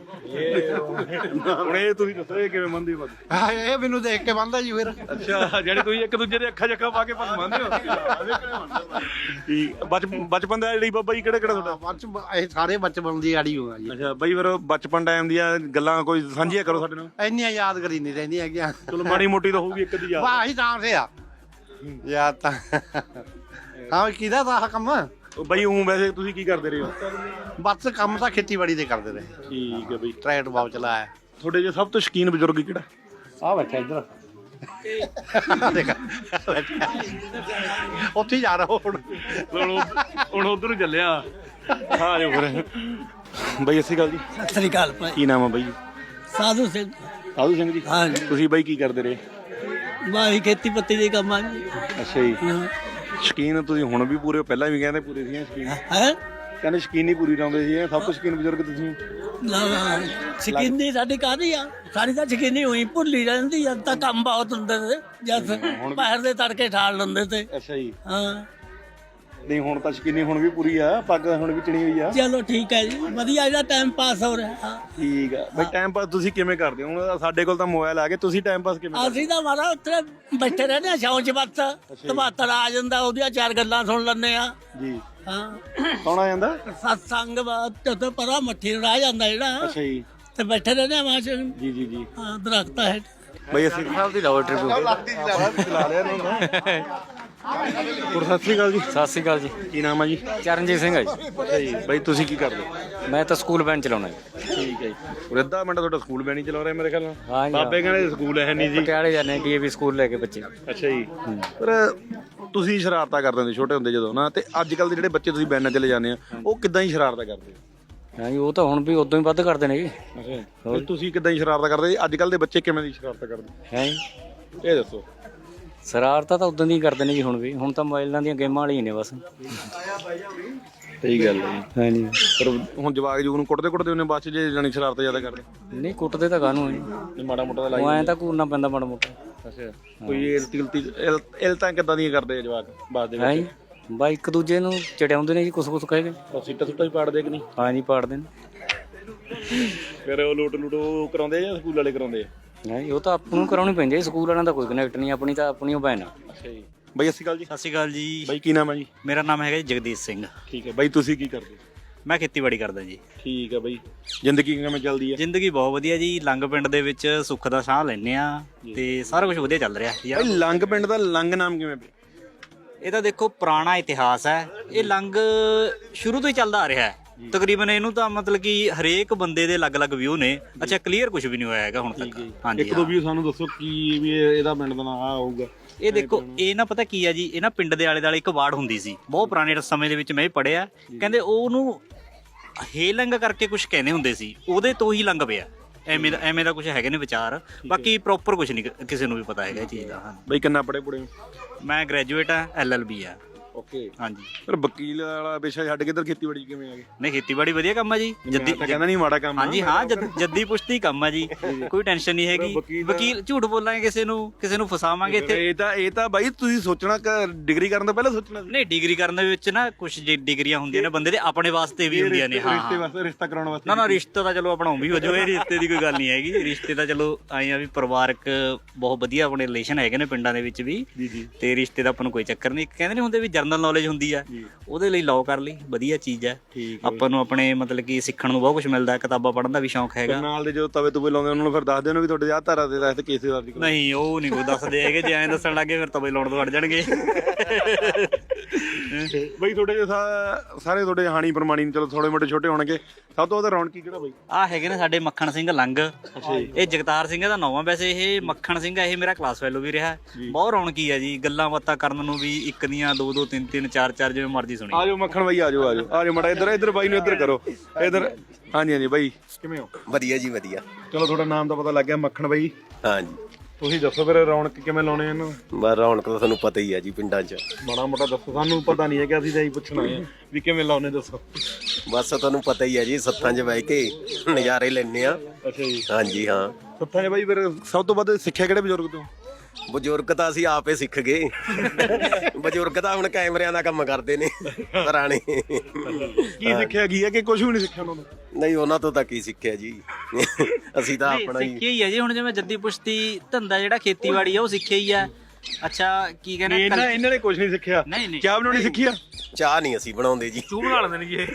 S2: ਹੁਣ ਇਹ ਤੁਸੀਂ ਦੱਸੋ ਇਹ ਕਿਵੇਂ ਮੰਨਦੇ ਹੋ?
S6: ਹਾਂ, ਇਹ ਮੈਨੂੰ ਦੇਖ ਕੇ ਬੰਦਾ ਜੀ ਫਿਰ।
S2: ਅੱਛਾ, ਜਿਹੜੇ ਤੁਸੀਂ ਇੱਕ ਦੂਜੇ ਦੇ ਅੱਖਾਂ ਜੱਖਾਂ ਪਾ ਕੇ ਪੱਗ ਮੰਨਦੇ ਹੋ? ਠੀਕ। ਬਚ ਬਚਪਨ ਦਾ ਜਿਹੜੀ ਬਾਬਾ ਜੀ ਕਿਹੜਾ ਕਿਹੜਾ ਤੁਹਾਡਾ?
S6: ਬਚ ਇਹ ਸਾਰੇ ਬਚਪਨ ਦੀ ਆੜੀ ਹੋਆ ਜੀ।
S2: ਅੱਛਾ ਬਾਈ, ਫਿਰ ਬਚਪਨ ਟਾਈਮ ਦੀਆਂ ਗੱਲਾਂ ਕੋਈ ਸਾਂਝੀਆਂ ਕਰੋ ਸਾਡੇ ਨਾਲ।
S6: ਇੰਨੀਆਂ ਯਾਦ ਕਰੀ ਨਹੀਂ ਰਹਿੰਦੀਆਂ ਹੈਗੀਆਂ।
S2: ਚਲੋ ਮਾੜੀ ਮੋਟੀ ਤਾਂ ਹੋਊਗੀ ਇੱਕ ਦੀ ਯਾਦ।
S6: ਵਾਹ ਹੀ ਤਾਂ ਸੇ ਆ ਯਾਦ ਤਾਂ। ਹਾਂ, ਕਿਹਦਾ ਦਾ ਆਹ ਕੰਮ?
S2: ਉਹ ਬਾਈ ਉਹ ਵੈਸੇ ਤੁਸੀਂ ਕੀ ਕਰਦੇ ਰਹੇ ਹੋ?
S6: ਬਸ ਕੰਮ ਤਾਂ ਖੇਤੀਬਾੜੀ ਦੇ ਕਰਦੇ ਰਹੇ।
S2: ਠੀਕ ਹੈ ਬਾਈ।
S6: ਟਰੈਕਟਰ ਬਾਬ ਚਲਾਇਆ।
S2: ਤੁਹਾਡੇ ਜੋ ਸਭ ਤੋਂ ਸ਼ੌਕੀਨ ਬਜ਼ੁਰਗ ਕਿਹੜਾ?
S6: ਆ ਬੈਠਾ ਇੱਧਰ। ਦੇਖ ਉੱਥੇ ਹੀ ਜਾ ਰਹਾ ਹੁਣ।
S2: ਹੁਣ ਉਧਰ ਨੂੰ ਚੱਲਿਆ। ਹਾਂ ਜੋ ਫਿਰ ਬਾਈ ਅਸੀਂ ਗੱਲ ਜੀ।
S9: ਸਤਿ ਸ੍ਰੀ ਅਕਾਲ ਭਾਈ।
S2: ਕੀ ਨਾਮ ਆ ਬਾਈ?
S9: ਸਾਧੂ ਸਿੰਘ।
S2: ਸਾਧੂ ਸਿੰਘ ਜੀ।
S9: ਹਾਂਜੀ।
S2: ਤੁਸੀਂ ਬਾਈ ਕੀ ਕਰਦੇ ਰਹੇ?
S9: ਬਾਈ ਖੇਤੀ ਪੱਤੀ ਦੇ ਕੰਮ ਆ ਜੀ।
S2: ਅੱਛਾ ਜੀ। ਸ਼ੌਕੀਨ ਤੁਸੀਂ ਹੁਣ ਵੀ ਪੂਰੇ ਹੋ, ਪਹਿਲਾਂ ਵੀ ਕਹਿੰਦੇ ਪੂਰੇ ਸੀ ਸ਼ੌਕੀਨ?
S9: ਹੈ
S2: ਕਹਿੰਦੇ ਸ਼ੌਕੀਨ ਹੀ ਪੂਰੀ ਲਾਉਂਦੇ ਸੀ, ਸਭ ਤੋਂ ਸ਼ੌਕੀਨ ਬਜ਼ੁਰਗ ਤੁਸੀਂ?
S9: ਸ਼ਕੀਨੀ ਸਾਡੀ ਕਾਹਦੀ ਆ, ਸਾਡੀ ਤਾਂ ਸ਼ਕੀਨੀ ਹੋਈ ਭੁੱਲੀ ਰਹਿੰਦੀ ਜਦ ਤਾਂ ਕੰਮ ਬਹੁਤ ਹੁੰਦੇ ਤੇ, ਜਦ ਪੈਰ ਦੇ ਤੜਕੇ ਠਾਲ ਲੈਂਦੇ ਤੇ।
S2: ਅੱਛਾ ਜੀ।
S9: ਹਾਂ
S2: ਨਹੀਂ ਹੁਣ ਤਾਂ ਸ਼ੌਕੀਨੀ ਹੁਣ ਵੀ ਪੂਰੀ ਆ, ਪੱਗ ਹੁਣ ਵੀ ਚਿਣੀ ਹੋਈ ਆ।
S9: ਚਲੋ ਠੀਕ ਹੈ ਜੀ, ਵਧੀਆ ਇਹਦਾ ਟਾਈਮ ਪਾਸ ਹੋ ਰਿਹਾ।
S2: ਠੀਕ ਆ ਬਈ। ਟਾਈਮ ਪਾਸ ਤੁਸੀਂ ਕਿਵੇਂ ਕਰਦੇ ਹੋ? ਹੁਣ ਸਾਡੇ ਕੋਲ ਤਾਂ ਮੋਬਾਈਲ ਆ ਗਏ, ਤੁਸੀਂ ਟਾਈਮ ਪਾਸ ਕਿਵੇਂ ਕਰਦੇ?
S9: ਅਸੀਂ ਤਾਂ ਮਾਰਾ ਉੱਥੇ ਬੈਠੇ ਰਹਿੰਦੇ ਆ ਛਾਂ ਚ, ਬੱਸ ਤਬਾਤਰ ਆ ਜਾਂਦਾ, ਉਹਦੀਆਂ ਚਾਰ ਗੱਲਾਂ ਸੁਣ ਲੈਂਦੇ ਆ
S2: ਜੀ।
S9: ਹਾਂ।
S2: ਕੌਣ ਆ ਜਾਂਦਾ?
S9: ਸਤਸੰਗ ਬਾਤ ਤੇ ਪਰਾ ਮੱਠੀ ਨੂੰ ਰਹਿ ਜਾਂਦਾ ਜਿਹੜਾ,
S2: ਅੱਛਾ ਜੀ।
S9: ਤੇ ਬੈਠੇ ਰਹਿੰਦੇ ਆ ਮਾਂ ਚ।
S2: ਜੀ ਜੀ ਜੀ।
S9: ਹਾਂ, ਦਰਖਤਾਂ ਹੈ।
S2: ਬਈ ਅਸੀਂ ਸਾਹਿਬ ਦੀ ਲਾਓ ਟ੍ਰਿਪ ਚਲਾ ਲਿਆ ਇਹਨਾਂ ਹੋਰ ਸਤਿ ਸ੍ਰੀ ਅਕਾਲ ਜੀ।
S10: ਸਤਿ ਸ੍ਰੀ ਅਕਾਲ ਜੀ।
S2: ਕੀ ਨਾਮ ਆ ਜੀ?
S10: ਚਰਨਜੀਤ ਸਿੰਘ ਹੈ ਜੀ।
S2: ਅੱਛਾ ਜੀ। ਬਈ ਤੁਸੀਂ ਕੀ ਕਰਦੇ ਹੋ?
S10: ਮੈਂ ਤਾਂ ਸਕੂਲ ਵੈਨ ਚਲਾਉਣਾ ਜੀ।
S2: ਠੀਕ ਹੈ ਜੀ। ਅੱਧਾ ਮਿੰਟ ਤੁਹਾਡਾ ਸਕੂਲ ਵੈਨ ਹੀ ਚਲਾ ਰਿਹਾ ਮੇਰੇ ਖਿਆਲ ਨਾਲ।
S10: ਹਾਂ ਜੀ।
S2: ਬਾਬੇ ਕਹਿੰਦੇ ਸਕੂਲ ਹੈ ਨਹੀਂ ਜੀ।
S10: ਪਟਿਆਲੇ ਜਾਂਦੇ ਡੀਏਵੀ ਸਕੂਲ ਲੈ ਕੇ ਬੱਚੇ।
S2: ਅੱਛਾ ਜੀ। ਪਰ ਤੁਸੀਂ ਸ਼ਰਾਰਤਾਂ ਕਰਦੇ ਹੁੰਦੇ ਛੋਟੇ ਹੁੰਦੇ ਜਦੋਂ ਨਾ, ਤੇ ਅੱਜ ਕੱਲ ਦੇ ਜਿਹੜੇ ਬੱਚੇ ਤੁਸੀਂ ਵੈਨਾਂ ਚਲੇ ਜਾਂਦੇ ਆ, ਉਹ ਕਿੱਦਾਂ ਹੀ ਸ਼ਰਾਰਤਾਂ ਕਰਦੇ ਆ?
S10: ਹਾਂ ਜੀ, ਉਹ ਤਾਂ ਹੁਣ ਵੀ ਉਦੋਂ ਹੀ ਵੱਧ ਕਰਦੇ ਨੇ ਜੀ।
S2: ਅੱਛਾ। ਤੁਸੀਂ ਕਿੱਦਾਂ ਹੀ ਸ਼ਰਾਰਤਾਂ ਕਰਦੇ? ਅੱਜ ਕੱਲ ਦੇ ਬੱਚੇ ਕਿਵੇਂ ਦੀ ਸ਼ਰਾਰਤਾਂ ਕਰਦੇ
S10: ਹੈ ਜੀ?
S2: ਇਹ ਦੱਸੋ।
S10: ਸ਼ਰਾਰਤਾਂ ਤਾਂ ਉਦੋਂ ਦੀ ਕਰਦੇ ਨੇ ਜੀ, ਹੁਣ ਵੀ ਹੁਣ ਤਾਂ ਮੋਬਾਈਲਾਂ ਦੀਆਂ ਗੇਮਾਂ ਵਾਲੀਆਂ ਨੇ ਬਸ।
S2: ਸਹੀ ਗੱਲ ਹੈ
S10: ਹਾਂਜੀ
S2: ਪਰ ਹੁਣ ਜਵਾਕ ਜੂਗ ਨੂੰ ਕੁੱਟਦੇ ਕੁੱਟਦੇ ਉਹਨੇ ਬਾਅਦ ਚ ਜੇ ਜਾਣੀ ਸ਼ਰਾਰਤਾਂ ਜ਼ਿਆਦਾ ਕਰਦੇ
S10: ਨਹੀਂ ਕੁੱਟਦੇ ਤਾਂ ਕਾਹਨੂੰ ਜੀ,
S2: ਨਹੀਂ ਮਾੜਾ ਮੋਟਾ ਤਾਂ
S10: ਉਹ ਐਂ ਤਾਂ ਘੂਰਨਾ ਪੈਂਦਾ ਮਾੜਾ ਮੋਟਾ।
S2: ਅੱਛਾ ਕੋਈ ਇਲਤੀ ਉਲਤੀ ਇਲ ਇਲਤਾਂ ਕਿੱਦਾਂ ਦੀਆਂ ਕਰਦੇ ਆ ਜਵਾਕ ਬਾਅਦ ਦੇ
S10: ਹੈ
S2: ਵਿੱਚ?
S10: ਜੀ ਬਾ ਇੱਕ ਦੂਜੇ ਨੂੰ ਚੜਿਆਉਂਦੇ ਨੇ ਜੀ, ਕੁਛ ਕੁਛ ਕਹਿ ਕੇ।
S2: ਉਹ ਸੀਟਾਂ ਸੁੱਟਾਂ ਹੀ ਪਾੜਦੇ ਕਿ ਨਹੀਂ?
S10: ਹਾਂ ਜੀ ਪਾੜਦੇ ਨੇ।
S2: ਫਿਰ ਉਹ ਲੂਟ ਲੂਟ ਉਹ ਕਰਾਉਂਦੇ ਆ ਜਾਂ ਸਕੂਲ ਵਾਲੇ ਕਰਾਉਂਦੇ ਆ?
S10: ਨਹੀਂ ਉਹ ਤਾਂ ਆਪਾਂ ਨੂੰ ਕਰਾਉਣੀ ਪੈਂਦੀ ਹੈ, ਸਕੂਲ ਵਾਲਿਆਂ ਦਾ ਕੋਈ ਕਨੈਕਟ ਨਹੀਂ, ਆਪਣੀ ਤਾਂ ਆਪਣੀ ਉਹ ਭੈਣ ਆ।
S2: ਅੱਛਾ ਜੀ ਬਾਈ ਸਤਿ ਸ਼੍ਰੀ ਅਕਾਲ ਜੀ।
S11: ਸਤਿ ਸ਼੍ਰੀ ਅਕਾਲ ਜੀ।
S2: ਬਾਈ ਕੀ ਨਾਮ ਹੈ ਜੀ?
S11: ਮੇਰਾ ਨਾਮ ਹੈਗਾ ਜੀ ਜਗਦੀਸ਼ ਸਿੰਘ।
S2: ਠੀਕ ਹੈ ਬਾਈ ਤੁਸੀਂ ਕੀ ਕਰਦੇ?
S11: ਮੈਂ ਖੇਤੀਬਾੜੀ ਕਰਦਾ ਜੀ।
S2: ਠੀਕ ਹੈ ਬਾਈ ਜ਼ਿੰਦਗੀ ਕਿਵੇਂ ਚੱਲਦੀ ਹੈ?
S11: ਜ਼ਿੰਦਗੀ ਬਹੁਤ ਵਧੀਆ ਜੀ। ਲੰਗ ਪਿੰਡ ਦੇ ਵਿੱਚ ਸੁੱਖ ਦਾ ਸਾਹ ਲੈਂਦੇ ਆ ਤੇ ਸਾਰਾ ਕੁਝ ਵਧੀਆ ਚੱਲ ਰਿਹਾ ਯਾਰ।
S2: ਬਾਈ ਲੰਗ ਪਿੰਡ ਦਾ ਲੰਗ ਨਾਮ ਕਿਵੇਂ ਪਿਆ?
S11: ਇਹ ਤਾਂ ਦੇਖੋ ਪੁਰਾਣਾ ਇਤਿਹਾਸ ਹੈ। ਇਹ ਲੰਗ ਸ਼ੁਰੂ ਤੋਂ ਹੀ ਚੱਲਦਾ ਆ ਰਿਹਾ ਹੈ ਤਕਰੀਬਨ। ਇਹਨੂੰ ਤਾਂ ਮਤਲਬ ਕਿ ਹਰੇਕ ਬੰਦੇ ਦੇ ਅਲੱਗ-ਅਲੱਗ ਵਿਊ ਨੇ। ਅੱਛਾ ਕਲੀਅਰ ਕੁਝ ਵੀ ਨਹੀਂ ਹੋਇਆ ਹੈਗਾ ਹੁਣ ਤੱਕ। ਹਾਂਜੀ
S2: ਇੱਕ ਦੋ ਵੀ ਸਾਨੂੰ ਦੱਸੋ ਕੀ ਵੀ ਇਹਦਾ ਪਿੰਡ ਦਾ ਨਾਮ ਆ ਹੋਊਗਾ?
S11: ਇਹ ਦੇਖੋ ਇਹ ਨਾ ਪਤਾ ਕੀ ਆ ਜੀ, ਇਹ ਨਾ ਪਿੰਡ ਦੇ ਆਲੇ ਦੁਆਲੇ ਇੱਕ ਵਾਰਡ ਹੁੰਦੀ ਸੀ ਬਹੁਤ ਪੁਰਾਣੇ ਸਮੇਂ ਦੇ ਵਿੱਚ, ਮੈਂ ਵੀ ਪੜ੍ਹਿਆ। ਕਹਿੰਦੇ ਉਹਨੂੰ ਹੇਲੰਗ ਕਰਕੇ ਕੁਝ ਕਹਿੰਦੇ ਹੁੰਦੇ ਸੀ, ਉਹਦੇ ਤੋਂ ਹੀ ਲੰਗ ਪਿਆ। ਐਵੇਂ ਦਾ ਐਵੇਂ ਦਾ ਕੁਝ ਹੈਗੇ ਨੇ ਵਿਚਾਰ। ਬਾਕੀ ਪ੍ਰੋਪਰ ਕੁਝ ਨਹੀਂ ਕਿਸੇ ਨੂੰ ਵੀ ਪਤਾ ਹੈਗਾ ਇਹ ਚੀਜ਼ ਦਾ। ਹਾਂ
S2: ਬਈ ਕਿੰਨਾ ਪੜ੍ਹੇ ਪੁੜੇ?
S11: ਮੈਂ ਗ੍ਰੈਜੂਏਟ ਆ, ਐਲ ਐਲ ਬੀ ਆ।
S2: ਓਕੇ
S11: ਹਾਂਜੀ।
S2: ਫਿਰ ਵਕੀਲ ਵਾਲਾ ਪੇਸ਼ਾ ਛੱਡ ਕੇ ਇੱਧਰ ਖੇਤੀਬਾੜੀ ਕਿਵੇਂ ਆ ਗਏ?
S11: ਨਹੀਂ ਖੇਤੀਬਾੜੀ ਵਧੀਆ ਕੰਮ ਆ ਜੀ।
S2: ਜੱਦੀ ਕਹਿੰਦਾ ਨਹੀਂ ਮਾੜਾ ਕੰਮ।
S11: ਹਾਂਜੀ ਹਾਂ ਜੱਦੀ ਪੁਸ਼ਤੀ ਕੰਮ ਆ ਜੀ, ਕੋਈ ਟੈਨਸ਼ਨ ਨਹੀਂ ਹੈਗੀ। ਵਕੀਲ ਝੂਠ ਬੋਲਾਂਗੇ ਕਿਸੇ ਨੂੰ, ਕਿਸੇ ਨੂੰ ਫਸਾਵਾਂਗੇ ਇੱਥੇ।
S2: ਇਹ ਤਾਂ ਇਹ ਤਾਂ ਬਾਈ ਤੁਸੀਂ ਸੋਚਣਾ ਡਿਗਰੀ ਕਰਨ ਤੋਂ ਪਹਿਲਾਂ ਸੋਚਣਾ।
S11: ਨਹੀਂ ਡਿਗਰੀ ਕਰਨ ਦੇ ਵਿੱਚ ਨਾ ਕੁਝ ਡਿਗਰੀਆਂ ਹੁੰਦੀਆਂ ਨੇ ਬੰਦੇ ਦੇ ਆਪਣੇ ਵਾਸਤੇ ਵੀ ਹੁੰਦੀਆਂ ਨੇ। ਹਾਂ
S2: ਰਿਸ਼ਤੇ ਵਾਸਤੇ, ਰਿਸ਼ਤਾ ਕਰਾਉਣ ਵਾਸਤੇ।
S11: ਨਾ ਨਾ ਰਿਸ਼ਤਾ ਤਾਂ ਚਲੋ ਆਪਣਾ ਵੀ ਹੋ ਜਾਓ, ਇਹ ਰਿਸ਼ਤੇ ਦੀ ਕੋਈ ਗੱਲ ਨਹੀਂ ਹੈਗੀ। ਰਿਸ਼ਤੇ ਤਾਂ ਚਲੋ ਆਏ ਆ ਵੀ ਪਰਿਵਾਰਕ ਬਹੁਤ ਵਧੀਆ ਆਪਣੇ ਰਿਲੇਸ਼ਨ ਹੈਗੇ ਨੇ ਪਿੰਡਾਂ ਦੇ ਵਿੱਚ ਵੀ, ਤੇ ਰਿਸ਼ਤੇ ਦਾ ਆਪਾਂ ਨੂੰ ਕੋਈ ਚੱਕਰ ਨਹੀਂ। ਕਹਿੰਦੇ ਨਹੀਂ ਹੁੰਦੇ ਵੀ ਜਰਨਲ ਨੌਲੇਜ ਹੁੰਦੀ ਆ, ਉਹਦੇ ਲਈ ਲਾਓ ਕਰ ਲਈ, ਵਧੀਆ ਚੀਜ਼ ਹੈ। ਆਪਾਂ ਨੂੰ ਆਪਣੇ ਮਤਲਬ ਕਿ ਸਿੱਖਣ ਨੂੰ ਬਹੁਤ ਕੁਝ ਮਿਲਦਾ, ਕਿਤਾਬਾਂ ਪੜ੍ਹਨ ਦਾ ਵੀ ਸ਼ੌਂਕ ਹੈਗਾ।
S2: ਨਾਲ ਦੇ ਜੋ ਤਵੇ ਤੁਵੇ ਲਾਉਂਦੇ ਉਹਨਾਂ ਨੂੰ ਫਿਰ ਦੱਸ ਦੇਣ ਵੀ ਤੁਹਾਡੇ ਆਹ ਧਾਰਾ ਦੇ ਤਹਿਤ ਕੇਸ ਦਰਜ ਕਰੋ।
S11: ਨਹੀਂ ਉਹ ਨਹੀਂ ਕੋਈ ਦੱਸਦੇ ਹੈਗੇ, ਜੇ ਐਂ ਦੱਸਣ ਲੱਗੇ ਫਿਰ ਤਵੇ ਲਾਉਣ ਤੋਂ ਹਟ ਜਾਣਗੇ।
S2: ਬਈ ਤੁਹਾਡੇ ਸਾਰੇ ਤੁਹਾਡੇ ਹਾਣੀ ਪ੍ਰਮਾਣੀ ਚਲੋ ਥੋੜੇ ਮੋਟੇ ਛੋਟੇ ਹੋਣਗੇ, ਸਭ ਤੋਂ ਵੱਧ ਰੌਣਕੀ ਕਿਹੜਾ ਬਈ?
S11: ਆਹ ਹੈਗੇ ਨੇ ਸਾਡੇ ਮੱਖਣ ਸਿੰਘ ਲੰਗ। ਇਹ ਜਗਤਾਰ ਸਿੰਘ ਦਾ ਨਾਮ ਆ ਵੈਸੇ। ਇਹ ਮੱਖਣ ਸਿੰਘ ਆ, ਇਹ ਮੇਰਾ ਕਲਾਸ ਫੈਲੋ ਵੀ ਰਿਹਾ। ਬਹੁਤ ਰੌਣਕੀ ਆ ਜੀ, ਗੱਲਾਂ ਬਾਤਾਂ ਕਰਨ ਨੂੰ ਵੀ ਇੱਕ ਦੀਆਂ ਦੋ ਦੋ ਤਿੰਨ ਤਿੰਨ ਚਾਰ ਚਾਰ ਜਿਵੇਂ ਮਰਜ਼ੀ ਸੁਣੀ।
S2: ਆਜੋ ਮੱਖਣ ਬਾਈ ਆਜੋ ਆਜੋ ਆਜੋ ਮੜਾ ਇੱਧਰ ਇੱਧਰ ਬਾਈ ਨੂੰ ਇੱਧਰ ਕਰੋ ਇੱਧਰ। ਹਾਂਜੀ ਹਾਂਜੀ ਬਾਈ ਕਿਵੇਂ ਹੋ?
S4: ਵਧੀਆ ਜੀ ਵਧੀਆ।
S2: ਚਲੋ ਤੁਹਾਡਾ ਨਾਮ ਤਾਂ ਪਤਾ ਲੱਗ ਗਿਆ, ਮੱਖਣ ਬਾਈ।
S4: ਹਾਂਜੀ
S2: ਤੁਸੀਂ ਦੱਸੋ ਫਿਰ ਰੌਣਕ ਕਿਵੇਂ ਲਾਉਣੇ ਇਹਨਾਂ?
S4: ਬਸ ਰੌਣਕ ਤਾਂ ਤੁਹਾਨੂੰ ਪਤਾ ਹੀ ਆ ਜੀ ਪਿੰਡਾਂ 'ਚ।
S2: ਮਾੜਾ ਮੋਟਾ ਦੱਸੋ, ਸਾਨੂੰ ਪਤਾ ਨਹੀਂ ਹੈ ਕਿ ਅਸੀਂ ਤਾਂ ਇਹੀ ਪੁੱਛਣਾ ਹੈ ਵੀ ਕਿਵੇਂ ਲਾਉਣੇ, ਦੱਸੋ।
S4: ਬਸ ਤੁਹਾਨੂੰ ਪਤਾ ਹੀ ਆ ਜੀ, ਸੱਥਾਂ 'ਚ ਬਹਿ ਕੇ ਨਜ਼ਾਰੇ ਲੈਣੇ ਆ।
S2: ਅੱਛਾ ਜੀ।
S4: ਹਾਂਜੀ ਹਾਂ।
S2: ਸੱਥਾਂ 'ਚ ਬਾਈ ਫਿਰ ਸਭ ਤੋਂ ਵੱਧ ਸਿੱਖਿਆ ਕਿਹੜੇ ਬਜ਼ੁਰਗ ਤੋਂ?
S4: ਬਜ਼ੁਰਗ ਤਾਂ ਅਸੀਂ ਆਪੇ ਸਿੱਖ ਗਏ। ਬਜ਼ੁਰਗ ਤਾਂ ਹੁਣ ਕੈਮਰਿਆਂ ਦਾ ਕੰਮ ਕਰਦੇ ਨੇ ਪੁਰਾਣੇ।
S2: ਕੀ ਸਿੱਖਿਆ ਕੀ ਹੈ ਕਿ ਕੁਝ ਵੀ ਨਹੀਂ ਸਿੱਖਿਆ ਉਹਨਾਂ ਤੋਂ?
S4: ਨਹੀਂ ਉਹਨਾਂ ਤੋਂ ਤਾਂ ਕੀ ਸਿੱਖਿਆ ਜੀ, ਅਸੀਂ ਤਾਂ ਆਪਣਾ ਹੀ
S11: ਸਿੱਖਿਆ ਹੀ ਆ ਜੀ। ਹੁਣ ਜਿਵੇਂ ਜੱਦੀ ਪੁਸ਼ਤੀ ਧੰਦਾ ਜਿਹੜਾ ਖੇਤੀਬਾੜੀ ਆ ਉਹ ਸਿੱਖਿਆ ਹੀ ਆ। ਅੱਛਾ ਕੀ ਕਹਿੰਦੇ
S2: ਇਹਨਾਂ ਇਹਨਾਂ ਨੇ ਕੁਝ ਨਹੀਂ ਸਿੱਖਿਆ।
S11: ਨਹੀਂ ਨਹੀਂ
S2: ਚਾਹ ਬਣਾਉਣੀ ਸਿੱਖੀ ਆ?
S4: ਚਾਹ ਨਹੀਂ ਅਸੀਂ ਬਣਾਉਂਦੇ ਜੀ,
S2: ਤੂੰ ਬਣਾ ਲੈਂਦੇ ਨੇ ਜੀ ਇਹ।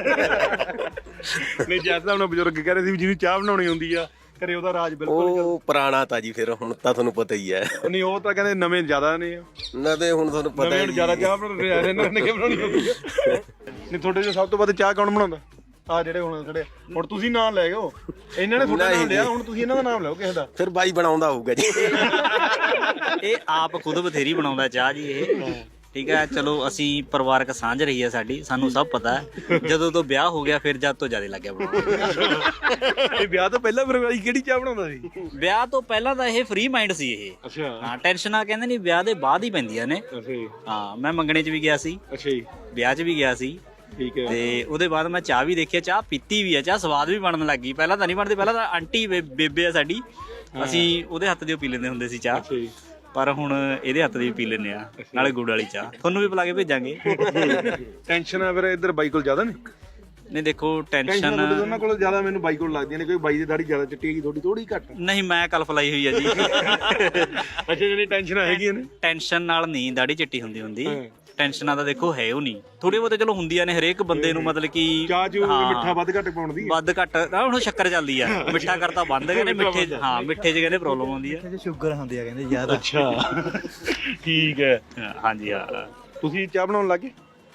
S2: ਨਹੀਂ ਜਦ ਤਾਂ ਬਜ਼ੁਰਗ ਕਹਿ ਰਹੇ ਸੀ ਵੀ ਜਿਹਨੂੰ ਚਾਹ ਬਣਾਉਣੀ ਹੁੰਦੀ ਆ ਘਰੇ ਉਹਦਾ ਰਾਜ ਬਿਲਕੁਲ
S4: ਉਹ ਪੁਰਾਣਾ ਤਾਂ ਜੀ। ਫਿਰ ਹੁਣ ਤਾਂ ਤੁਹਾਨੂੰ ਪਤਾ ਹੀ ਹੈ।
S2: ਨਹੀਂ ਉਹ ਤਾਂ ਕਹਿੰਦੇ ਨਵੇਂ ਜ਼ਿਆਦਾ ਨੇ
S4: ਨਾ ਤੇ ਹੁਣ ਤੁਹਾਨੂੰ ਪਤਾ
S2: ਨਵੇਂ ਜ਼ਿਆਦਾ ਚਾਹ ਬਣਾਉਂਦੇ ਆ ਇਹਨਾਂ ਨੇ, ਕਿ ਬਣਾਉਣੀ ਹੁੰਦੀ ਆ। ਨਹੀਂ ਤੁਹਾਡੇ ਜੋ ਸਭ ਤੋਂ ਵੱਧ ਚਾਹ ਕੌਣ ਬਣਾਉਂਦਾ? ਆ ਜਿਹੜੇ ਹੁਣ ਖੜੇ ਹੁਣ ਤੁਸੀਂ ਨਾਮ ਲੈ ਗਏ, ਇਹਨਾਂ ਨੇ ਤੁਹਾਡਾ ਨਾਮ ਲਿਆ, ਹੁਣ ਤੁਸੀਂ ਇਹਨਾਂ ਦਾ ਨਾਮ ਲਓ ਕਿਸੇ ਦਾ।
S4: ਫਿਰ ਬਾਈ ਬਣਾਉਂਦਾ ਹੋਊਗਾ ਜੀ।
S11: ਇਹ ਆਪ ਖੁਦ ਬਥੇਰੀ ਬਣਾਉਂਦਾ ਚਾਹ ਜੀ ਇਹ। ਠੀਕ ਹੈ ਚਲੋ ਅਸੀਂ ਪਰਿਵਾਰਕ ਸਾਂਝ ਰਹੀ ਹੈ ਸਾਡੀ, ਸਾਨੂੰ ਸਭ ਪਤਾ ਹੈ। ਜਦੋਂ ਤੋਂ ਵਿਆਹ ਹੋ ਗਿਆ ਫਿਰ ਜਦ ਤੋਂ ਜ਼ਿਆਦਾ ਲੱਗਿਆ ਬਣਾਉਣ।
S2: ਇਹ ਵਿਆਹ ਤੋਂ ਪਹਿਲਾਂ ਫਿਰ ਬਾਈ ਕਿਹੜੀ ਚਾਹ ਬਣਾਉਂਦਾ ਸੀ?
S11: ਵਿਆਹ ਤੋਂ ਪਹਿਲਾਂ ਤਾਂ ਇਹ ਫ੍ਰੀ ਮਾਈਂਡ ਸੀ ਇਹ।
S2: ਅੱਛਾ
S11: ਹਾਂ ਟੈਨਸ਼ਨਾਂ ਕਹਿੰਦੇ ਨਹੀਂ ਵਿਆਹ ਦੇ ਬਾਅਦ ਹੀ ਪੈਂਦੀਆਂ ਨੇ।
S2: ਅੱਛਾ ਜੀ।
S11: ਹਾਂ ਮੈਂ ਮੰਗਣੇ 'ਚ ਵੀ ਗਿਆ ਸੀ,
S2: ਅੱਛਾ ਜੀ,
S11: ਵਿਆਹ 'ਚ ਵੀ ਗਿਆ ਸੀ।
S2: ਠੀਕ ਹੈ।
S11: ਤੇ ਉਹਦੇ ਬਾਅਦ ਮੈਂ ਚਾਹ ਵੀ ਦੇਖਿਆ, ਚਾਹ ਪੀਤੀ ਵੀ ਆ, ਚਾਹ ਸਵਾਦ ਵੀ ਬਣਨ ਲੱਗ ਗਈ। ਪਹਿਲਾਂ ਤਾਂ ਨਹੀਂ ਬਣਦੀ, ਪਹਿਲਾਂ ਤਾਂ ਆਂਟੀ ਬੇਬੇ ਆ ਸਾਡੀ, ਅਸੀਂ ਉਹਦੇ ਹੱਥ ਦੀ ਪੀ ਲੈਂਦੇ ਹੁੰਦੇ ਸੀ ਚਾਹ। ਪਰ ਹੁਣ ਇਹਦੇ ਹੱਥ ਦੀ ਵੀ ਪੀ ਲੈਂਦੇ ਆ, ਨਾਲੇ ਗੁੜ ਵਾਲੀ ਚਾਹ। ਤੁਹਾਨੂੰ ਵੀ ਪਿਲਾ ਕੇ ਭੇਜਾਂਗੇ।
S2: ਟੈਨਸ਼ਨ ਆ ਫਿਰ ਇੱਧਰ ਬਾਈ ਕੋਲ ਜ਼ਿਆਦਾ ਨੇ?
S11: ਨਹੀਂ ਦੇਖੋ ਟੈਨਸ਼ਨ
S2: ਉਹਨਾਂ ਕੋਲ ਜ਼ਿਆਦਾ ਮੈਨੂੰ ਬਾਈ ਕੋਲ ਲੱਗਦੀਆਂ ਨੇ, ਕੋਈ ਬਾਈ ਦੀ ਦਾੜੀ ਜ਼ਿਆਦਾ ਚਿੱਟੀ ਹੈਗੀ, ਥੋੜੀ ਥੋੜੀ ਘੱਟ।
S11: ਨਹੀਂ ਮੈਂ ਕਲਫ ਲਾਈ ਹੋਈ ਆ ਜੀ।
S2: ਅੱਛਾ ਜਿਹੜੀ ਟੈਨਸ਼ਨ ਹੈਗੀਆਂ ਨੇ?
S11: ਟੈਨਸ਼ਨ ਨਾਲ ਨਹੀਂ ਦਾੜੀ ਚਿੱਟੀ ਹੁੰਦੀ ਹੁੰਦੀ, ਟੈਨਸ਼ਨਾਂ ਤਾਂ ਦੇਖੋ ਹੈ ਉਹ ਨਹੀਂ। ਥੋੜੀ ਬਹੁਤੇ ਚਲੋ ਹੁੰਦੀਆਂ ਨੇ ਹਰੇਕ ਬੰਦੇ ਨੂੰ, ਮਤਲਬ ਕਿ
S2: ਚਾਹ ਚ ਮਿੱਠਾ ਵੱਧ ਘੱਟ ਪਾਉਣ ਦੀ।
S11: ਵੱਧ ਘੱਟ ਹੁਣ ਸ਼ੱਕਰ ਚੱਲਦੀ ਆ, ਮਿੱਠਾ ਕਰਤਾ ਬੰਦ ਕਹਿੰਦੇ, ਮਿੱਠੇ ਹਾਂ ਮਿੱਠੇ 'ਚ ਕਹਿੰਦੇ ਪ੍ਰੋਬਲਮ ਆਉਂਦੀ ਆ,
S6: ਸ਼ੂਗਰ ਹੁੰਦੀ ਆ ਕਹਿੰਦੇ ਜ਼ਿਆਦਾ।
S2: ਅੱਛਾ ਠੀਕ ਹੈ।
S11: ਹਾਂਜੀ ਹਾਂ।
S2: ਤੁਸੀਂ ਚਾਹ ਬਣਾਉਣ ਲੱਗੇ?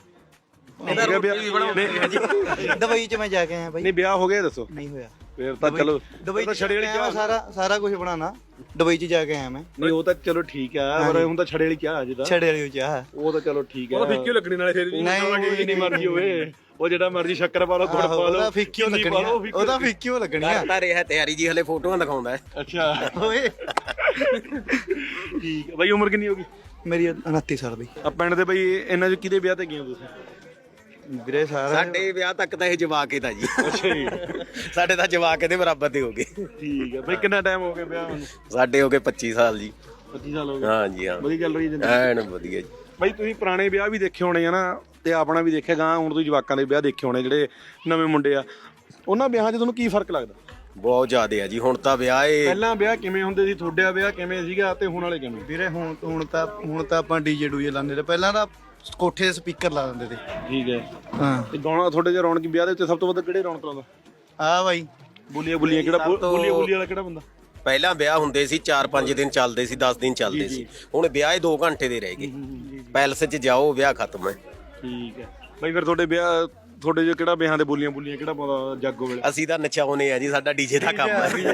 S6: ਦੁਬਈ ਚ ਮੈਂ ਜਾ ਕੇ ਆਇਆ ਬਾਈ।
S2: ਨਹੀਂ ਵਿਆਹ ਹੋ ਗਿਆ ਦੱਸੋ?
S6: ਨਹੀਂ ਹੋਇਆ।
S2: ਫਿਰ ਤਾਂ ਚਲੋ
S6: ਦੁਬਈ ਚ ਛੜੇ ਵਾਲੀ ਚਾਹ ਸਾਰਾ ਸਾਰਾ ਕੁਝ ਬਣਾਉਣਾ, ਦੁਬਈ ਚ ਜਾ ਕੇ ਆਇਆ ਮੈਂ।
S2: ਨਹੀਂ ਉਹ ਤਾਂ ਚਲੋ ਠੀਕ ਆ, ਪਰ ਹੁਣ ਤਾਂ ਛੜੇ ਵਾਲੀ ਚਾਹ ਅਜੇ ਤਾਂ।
S6: ਛੜੇ ਵਾਲੀ ਚਾਹ
S2: ਉਹ ਤਾਂ ਚਲੋ ਠੀਕ ਆ, ਉਹ ਫਿੱਕੀ ਲੱਗਣੀ ਨਾਲੇ ਫਿਰ ਜਿੰਨੀ ਮਰਜ਼ੀ ਹੋਵੇ, ਉਹ ਜਿਹੜਾ ਮਰਜ਼ੀ ਸ਼ੱਕਰ ਪਾ ਲਓ, ਗੁੜ ਪਾ ਲਓ,
S6: ਫਿੱਕੀ ਲੱਗਣੀ, ਉਹਦਾ ਫਿੱਕੀ ਲੱਗਣੀ ਆ।
S4: ਤਾਂ ਰਿਹਾ ਤਿਆਰੀ ਜੀ, ਹਲੇ ਫੋਟੋਆਂ ਦਿਖਾਉਂਦਾ।
S2: ਅੱਛਾ
S6: ਓਏ
S2: ਠੀਕ ਹੈ ਬਾਈ, ਉਮਰ ਕਿੰਨੀ ਹੋ ਗਈ?
S12: ਮੇਰੀ ਉਨੱਤੀ ਸਾਲ ਦੀ।
S2: ਆ ਪਿੰਡ ਦੇ ਬਾਈ ਇਹਨਾਂ ਚ ਕਿਹਦੇ ਵਿਆਹ ਤੇ ਗਏ ਹੋ ਤੁਸੀਂ?
S12: ਵੀਰੇ ਸਾਰਾ
S4: ਸਾਡੇ ਵਿਆਹ ਤੱਕ ਤਾਂ ਇਹ ਜਵਾਕ ਹੀ ਤਾਂ ਜੀ।
S2: ਅੱਛਾ ਜੀ।
S4: ਸਾਡੇ ਤਾਂ ਜਵਾਕ ਇਹਦੇ ਬਰਾਬਰ ਦੇ ਹੋ ਗਏ।
S2: ਠੀਕ ਹੈ ਬਾਈ, ਕਿੰਨਾ ਟਾਈਮ ਹੋ ਗਿਆ ਵਿਆਹ ਨੂੰ?
S4: ਸਾਡੇ ਹੋ ਗਏ ਪੱਚੀ ਸਾਲ ਜੀ।
S2: ਪੱਚੀ ਸਾਲ ਹੋ ਗਏ।
S4: ਹਾਂ ਜੀ ਹਾਂ,
S2: ਵਧੀਆ ਚੱਲ ਰਹੀ ਹੈ ਜ਼ਿੰਦਗੀ?
S4: ਐਨ ਵਧੀਆ ਜੀ।
S2: ਬਾਈ ਤੁਸੀਂ ਪੁਰਾਣੇ ਵਿਆਹ ਵੀ ਦੇਖੇ ਹੋਣੇ ਆ ਨਾ, ਤੇ ਆਪਣਾ ਵੀ ਦੇਖਿਆ ਗਾ, ਹੁਣ ਤੁਸੀਂ ਜਵਾਕਾਂ ਦੇ ਵਿਆਹ ਦੇਖੇ ਹੋਣੇ ਜਿਹੜੇ ਨਵੇਂ ਮੁੰਡੇ ਆ, ਉਹਨਾਂ ਵਿਆਹਾਂ 'ਚ ਤੁਹਾਨੂੰ ਕੀ ਫਰਕ ਲੱਗਦਾ?
S4: ਬਹੁਤ ਜ਼ਿਆਦਾ ਆ ਜੀ। ਹੁਣ ਤਾਂ ਵਿਆਹ ਏ
S2: ਪਹਿਲਾਂ ਵਿਆਹ ਕਿਵੇਂ ਹੁੰਦੇ ਸੀ, ਤੁਹਾਡਾ ਵਿਆਹ ਕਿਵੇਂ ਸੀਗਾ ਤੇ ਹੁਣ ਵਾਲੇ ਕਿਵੇਂ?
S12: ਵੀਰੇ ਹੁਣ ਹੁਣ ਤਾਂ ਹੁਣ ਤਾਂ ਆਪਾਂ ਡੀਜੇ ਡੂਜੇ ਲਾਉਂਦੇ ਤੇ ਪਹਿਲਾਂ ਤਾਂ ਕੋਠੇ ਦੇ ਸਪੀਕਰ ਲਾ ਦਿੰਦੇ ਤੇ।
S2: ਠੀਕ ਹੈ।
S12: ਹਾਂ
S2: ਤੇ ਗਾਣਾ ਤੁਹਾਡੇ ਜੇ ਰੌਣਕ ਵਿਆਹ ਦੇ ਉੱਤੇ ਸਭ ਤੋਂ ਵੱਧ ਕਿਹੜੇ ਰੌਣਕ ਲਾਉਂਦਾ?
S12: ਆ ਬਾਈ
S2: ਬੋਲੀਆਂ ਬੋਲੀਆਂ ਕਿਹੜਾ ਬੋਲੀਆਂ ਬੋਲੀਆਂ ਵਾਲਾ ਕਿਹੜਾ ਬੰਦਾ?
S4: ਪਹਿਲਾਂ ਵਿਆਹ ਹੁੰਦੇ ਸੀ ਚਾਰ ਪੰਜ ਦਿਨ ਚੱਲਦੇ ਸੀ, ਦਸ ਦਿਨ ਚੱਲਦੇ ਸੀ। ਹੁਣ ਵਿਆਹ ਦੋ ਘੰਟੇ ਦੇ ਰਹਿ ਗਏ। ਪੈਲਸ 'ਚ ਜਾਓ ਵਿਆਹ ਖਤਮ ਹੈ।
S2: ਠੀਕ ਹੈ ਬਾਈ, ਫਿਰ ਤੁਹਾਡੇ ਵਿਆਹ ਤੁਹਾਡੇ ਜੋ ਕਿਹੜਾ ਵਿਆਹਾਂ ਦੇ ਬੋਲੀਆਂ ਬੋਲੀਆਂ ਕਿਹੜਾ ਪਾਉਂਦਾ ਜਾਗੋ ਵੇਲੇ?
S4: ਅਸੀਂ ਤਾਂ ਨਚਾਉਨੇ ਆ ਜੀ, ਸਾਡਾ ਡੀਜੇ ਦਾ ਕੰਮ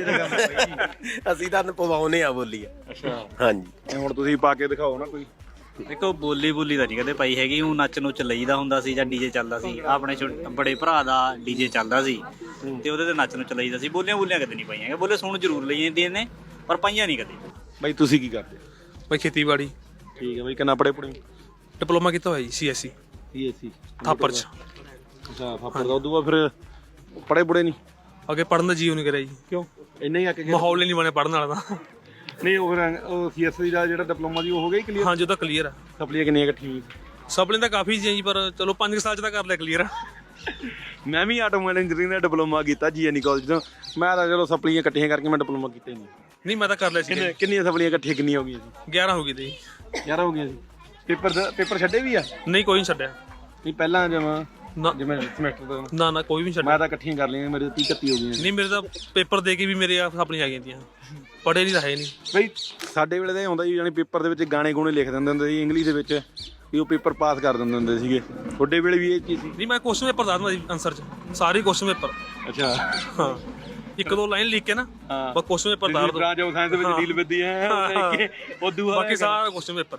S4: ਹੈ। ਅਸੀਂ ਤਾਂ ਪਵਾਉਨੇ ਆ ਬੋਲੀਆਂ।
S2: ਅੱਛਾ
S4: ਹਾਂਜੀ।
S2: ਹੁਣ ਤੁਸੀਂ ਪਾ ਕੇ ਦਿਖਾਓ ਨਾ ਕੋਈ।
S11: ਦੇਖੋ ਬੋਲੀ ਬੋਲੀ ਤਾਂ ਨਹੀਂ ਕਦੇ ਪਾਈ ਹੈਗੀ, ਉਹ ਨੱਚ ਨੁੱਚ ਲਈਦਾ ਹੁੰਦਾ ਸੀ ਜਾਂ ਡੀਜੇ ਚੱਲਦਾ ਸੀ। ਆਪਣੇ ਛੋਟੇ ਬੜੇ ਭਰਾ ਦਾ ਡੀਜੇ ਚੱਲਦਾ ਸੀ ਤੇ ਉਹਦੇ ਤੇ ਨੱਚ ਨੁੱਚ ਲਈਦਾ ਸੀ। ਬੋਲੀਆਂ ਬੋਲੀਆਂ ਕਦੇ ਨਹੀਂ ਪਾਈਆਂ ਹੈਗੀਆਂ। ਬੋਲੇ ਸੁਣ ਜ਼ਰੂਰ ਲਈ ਜਾਂਦੀਆਂ ਨੇ ਪਰ ਪਾਈਆਂ ਨਹੀਂ ਕਦੇ।
S2: ਬਾਈ ਤੁਸੀਂ ਕੀ ਕਰਦੇ?
S13: ਬਾਈ ਖੇਤੀਬਾੜੀ।
S2: ਠੀਕ ਹੈ ਬਾਈ, ਕਿੰਨਾ ਪੜੇ ਪੜੇ?
S13: ਡਿਪਲੋਮਾ ਕੀਤਾ ਹੋਇਆ ਜੀ C S C
S2: C S C
S13: Thapar ਚ।
S2: ਅੱਛਾ ਥਾਪਰ ਦਾ। ਉਦੋਂ ਬਾਅਦ ਫਿਰ ਪੜੇ ਪੜੇ ਨਹੀਂ?
S13: ਅੱਗੇ ਪੜਨ ਦਾ ਜੀਵ ਨਹੀਂ ਕਰਿਆ ਜੀ।
S2: ਕਿਉਂ? ਇੰਨਾ ਹੀ ਆ ਕੇ
S13: ਮਾਹੌਲ ਹੀ ਨਹੀਂ ਬਣਿਆ ਪੜਨ ਵਾਲਾ ਤਾਂ।
S2: ਨਹੀਂ ਉਹ ਫਿਰ ਉਹ ਸੀ ਐਸ ਸੀ ਦਾ ਜਿਹੜਾ ਡਿਪਲੋਮਾ ਜੀ ਉਹ ਹੋ ਗਿਆ ਕਲੀਅਰ?
S13: ਹਾਂਜੀ ਉਹ ਤਾਂ ਕਲੀਅਰ ਆ।
S2: ਸਪਲੀਆਂ ਕਿੰਨੀਆਂ ਇਕੱਠੀਆਂ ਹੋਈਆਂ?
S13: ਸਪਲੀਆਂ ਤਾਂ ਕਾਫੀ ਸੀ ਜੀ, ਪਰ ਚਲੋ ਪੰਜ ਸਾਲ ਚ ਤਾਂ ਕਰ ਲਿਆ ਕਲੀਅਰ।
S2: ਮੈਂ ਵੀ ਆਟੋਮੋਬਾਈਲ ਇੰਜੀਨੀਅਰਿੰਗ ਦਾ ਡਿਪਲੋਮਾ ਕੀਤਾ ਜੀ ਐਨ ਕਾਲਜ ਤੋਂ। ਮੈਂ ਤਾਂ ਚਲੋ ਸਪਲੀਆਂ ਇਕੱਠੀਆਂ ਕਰਕੇ ਮੈਂ ਡਿਪਲੋਮਾ ਕੀਤਾ ਹੀ ਨਹੀਂ।
S13: ਨਹੀਂ ਮੈਂ ਤਾਂ ਕਰ ਲਿਆ ਸੀ।
S2: ਕਿੰਨੇ ਕਿੰਨੀਆਂ ਸਪਲੀਆਂ ਇਕੱਠੀਆਂ ਕਿੰਨੀਆਂ ਹੋ ਗਈਆਂ ਸੀ?
S13: ਗਿਆਰਾਂ ਹੋ ਗਈ ਤੇ।
S2: ਗਿਆਰਾਂ ਹੋ ਗਈਆਂ ਸੀ। ਪੇਪਰ ਦਾ ਪੇਪਰ ਛੱਡੇ ਵੀ ਆ?
S13: ਨਹੀਂ ਕੋਈ ਨਹੀਂ ਛੱਡਿਆ।
S2: ਨਹੀਂ ਪਹਿਲਾਂ ਜਮਾ
S13: ਨਾ
S2: ਜਿਵੇਂ ਸਮੈਸਟਰ ਦਾ?
S13: ਨਾ ਨਾ ਕੋਈ ਵੀ ਨਹੀਂ ਛੱਡਿਆ।
S2: ਮੈਂ ਤਾਂ ਇਕੱਠੀਆਂ ਕਰ ਲਈਆਂ, ਮੇਰੇ ਤੀਹ ਇਕੱਤੀ ਹੋ ਗਈਆਂ।
S13: ਨਹੀਂ ਮੇਰੇ ਤਾਂ ਪੇਪਰ ਦੇ ਕੇ ਵੀ ਮੇਰੇ ਆਪਣੀਆਂ ਆ ਗਈਆਂ ਤੀਆਂ। ਪੜ੍ਹੇ ਨਹੀਂ ਤਾਂ ਹੈ ਨਹੀਂ
S2: ਬਈ। ਸਾਡੇ ਵੇਲੇ ਤਾਂ ਇਹ ਹੁੰਦਾ ਸੀ ਜਾਨੀ ਪੇਪਰ ਦੇ ਵਿੱਚ ਗਾਣੇ ਗੂਣੇ ਲਿਖ ਦਿੰਦੇ ਹੁੰਦੇ ਸੀ ਇੰਗਲਿਸ਼ ਦੇ ਵਿੱਚ, ਵੀ ਉਹ ਪੇਪਰ ਪਾਸ ਕਰ ਦਿੰਦੇ ਹੁੰਦੇ ਸੀਗੇ। ਤੁਹਾਡੇ ਵੇਲੇ ਵੀ ਇਹ ਚੀਜ਼ ਸੀ?
S13: ਨਹੀਂ ਮੈਂ ਕੁਐਸਚਨ ਪੇਪਰ ਦੱਸਦਾ ਜੀ ਆਨਸਰ ਚ, ਸਾਰੇ ਕੁਐਸਚਨ ਪੇਪਰ।
S2: ਅੱਛਾ
S13: ਹਾਂ, ਇੱਕ ਦੋ ਲਾਈਨ ਲਿਖ ਕੇ ਨਾ ਬਸ ਕੁਐਸਚਨ ਪੇਪਰ ਦੱਸ ਦੋ।
S2: ਬ੍ਰਾਂਚ ਆਫ ਸਾਇੰਸ ਦੇ ਵਿੱਚ ਡੀਲ ਵਿੱਦੀ ਹੈ ਉਦੋਂ
S13: ਬਾਕੀ ਸਾਰਾ ਕੁਐਸਚਨ ਪੇਪਰ।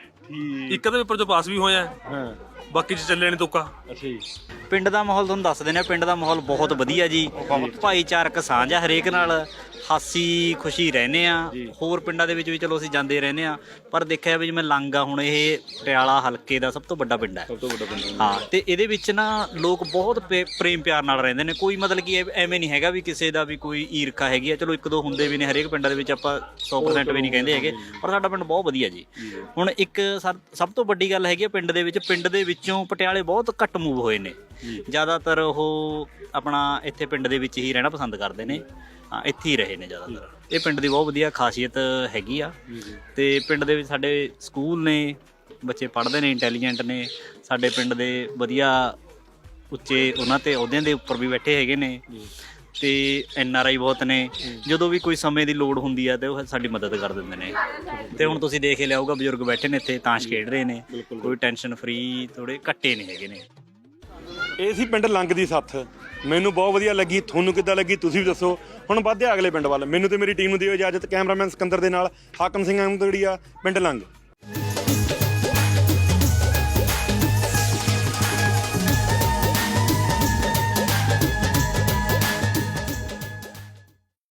S13: ਇੱਕ ਦੇ ਪੇਪਰ ਚ ਪਾਸ ਵੀ ਹੋਇਆ,
S2: ਹਾਂ
S13: ਬਾਕੀ ਚ ਚੱਲੇ ਨਹੀਂ ਤੁੱਕਾ।
S2: ਅੱਛਾ ਜੀ।
S11: ਪਿੰਡ ਦਾ ਮਾਹੌਲ ਤੁਹਾਨੂੰ ਦੱਸ ਦਿੰਦੇ ਆ। ਪਿੰਡ ਦਾ ਮਾਹੌਲ ਬਹੁਤ ਵਧੀਆ ਜੀ, ਭਾਈਚਾਰਕ ਸਾਂਝ ਆ ਹਰੇਕ ਨਾਲ, ਹਾਸੀ ਖੁਸ਼ੀ ਰਹਿੰਦੇ ਆ। ਹੋਰ ਪਿੰਡਾਂ ਦੇ ਵਿੱਚ ਵੀ ਚਲੋ ਅਸੀਂ ਜਾਂਦੇ ਰਹਿੰਦੇ ਆ, ਪਰ ਦੇਖਿਆ ਵੀ ਜਿਵੇਂ ਲੰਗ ਆ ਹੁਣ ਇਹ ਪਟਿਆਲਾ ਹਲਕੇ ਦਾ ਸਭ ਤੋਂ ਵੱਡਾ ਪਿੰਡ ਹੈ।
S2: ਸਭ ਤੋਂ ਵੱਡਾ ਪਿੰਡ
S11: ਹਾਂ, ਤੇ ਇਹਦੇ ਵਿੱਚ ਨਾ ਲੋਕ ਬਹੁਤ ਪੇ- ਪ੍ਰੇਮ ਪਿਆਰ ਨਾਲ ਰਹਿੰਦੇ ਨੇ। ਕੋਈ ਮਤਲਬ ਕਿ ਐ- ਐਵੇਂ ਨਹੀਂ ਹੈਗਾ ਵੀ ਕਿਸੇ ਦਾ ਵੀ ਕੋਈ ਈਰਖਾ ਹੈਗੀ ਆ। ਚਲੋ ਇੱਕ ਦੋ ਹੁੰਦੇ ਵੀ ਨੇ ਹਰੇਕ ਪਿੰਡਾਂ ਦੇ ਵਿੱਚ, ਆਪਾਂ ਸੌ ਪ੍ਰਸੈਂਟ ਵੀ ਨਹੀਂ ਕਹਿੰਦੇ ਹੈਗੇ, ਪਰ ਸਾਡਾ ਪਿੰਡ ਬਹੁਤ ਵਧੀਆ ਜੀ। ਹੁਣ ਇੱਕ ਸਰ ਸਭ ਤੋਂ ਵੱਡੀ ਗੱਲ ਹੈਗੀ ਆ ਪਿੰਡ ਦੇ ਵਿੱਚ, ਪਿੰਡ ਦੇ ਵਿੱਚੋਂ ਪਟਿਆਲੇ ਬਹੁਤ ਘੱਟ ਮੂਵ ਹੋਏ ਨੇ। ਜ਼ਿਆਦਾਤਰ ਉਹ ਆਪਣਾ ਇੱਥੇ ਪਿੰਡ ਦੇ ਵਿੱਚ ਹੀ ਰਹਿਣਾ ਪਸੰਦ ਕਰਦੇ ਨੇ। ਹਾਂ, ਇੱਥੇ ਹੀ ਰਹੇ ਨੇ ਜ਼ਿਆਦਾਤਰ। ਇਹ ਪਿੰਡ ਦੀ ਬਹੁਤ ਵਧੀਆ ਖਾਸੀਅਤ ਹੈਗੀ ਆ। ਤੇ ਪਿੰਡ ਦੇ ਵਿੱਚ ਸਾਡੇ ਸਕੂਲ ਨੇ, ਬੱਚੇ ਪੜ੍ਹਦੇ ਨੇ, ਇੰਟੈਲੀਜੈਂਟ ਨੇ। ਸਾਡੇ ਪਿੰਡ ਦੇ ਵਧੀਆ ਉੱਚੇ ਉਹਨਾਂ ਤੇ ਅਹੁਦਿਆਂ ਦੇ ਉੱਪਰ ਵੀ ਬੈਠੇ ਹੈਗੇ ਨੇ। ਤੇ ਐਨ ਆਰ ਆਈ ਬਹੁਤ ਨੇ। ਜਦੋਂ ਵੀ ਕੋਈ ਸਮੇਂ ਦੀ ਲੋੜ ਹੁੰਦੀ ਆ ਤੇ ਉਹ ਸਾਡੀ ਮਦਦ ਕਰ ਦਿੰਦੇ ਨੇ। ਤੇ ਹੁਣ ਤੁਸੀਂ ਦੇਖ ਹੀ ਲਿਆਊਗਾ ਬਜ਼ੁਰਗ ਬੈਠੇ ਨੇ ਇੱਥੇ, ਤਾਸ਼ ਖੇਡ ਰਹੇ ਨੇ, ਕੋਈ ਟੈਨਸ਼ਨ ਫਰੀ, ਥੋੜੇ ਘੱਟੇ ਨਹੀਂ ਹੈਗੇ ਨੇ।
S2: ਇਹ ਸੀ ਪਿੰਡ ਲੰਗ ਦੀ ਸੱਥ। ਮੈਨੂੰ ਬਹੁਤ ਵਧੀਆ ਲੱਗੀ, ਤੁਹਾਨੂੰ ਕਿੱਦਾਂ ਲੱਗੀ ਤੁਸੀਂ ਵੀ ਦੱਸੋ। ਹੁਣ ਵੱਧਦੇ ਅਗਲੇ ਪਿੰਡ ਵੱਲ। ਮੈਨੂੰ ਤੇ ਮੇਰੀ ਟੀਮ ਨੂੰ ਦਿਓ ਇਜਾਜ਼ਤ। ਕੈਮਰਾਮੈਨ ਸਿਕੰਦਰ ਦੇ ਨਾਲ ਹਾਕਮ ਸਿੰਘ ਅਹਿਮਦਗੜੀਆ, ਪਿੰਡ ਲੰਗ।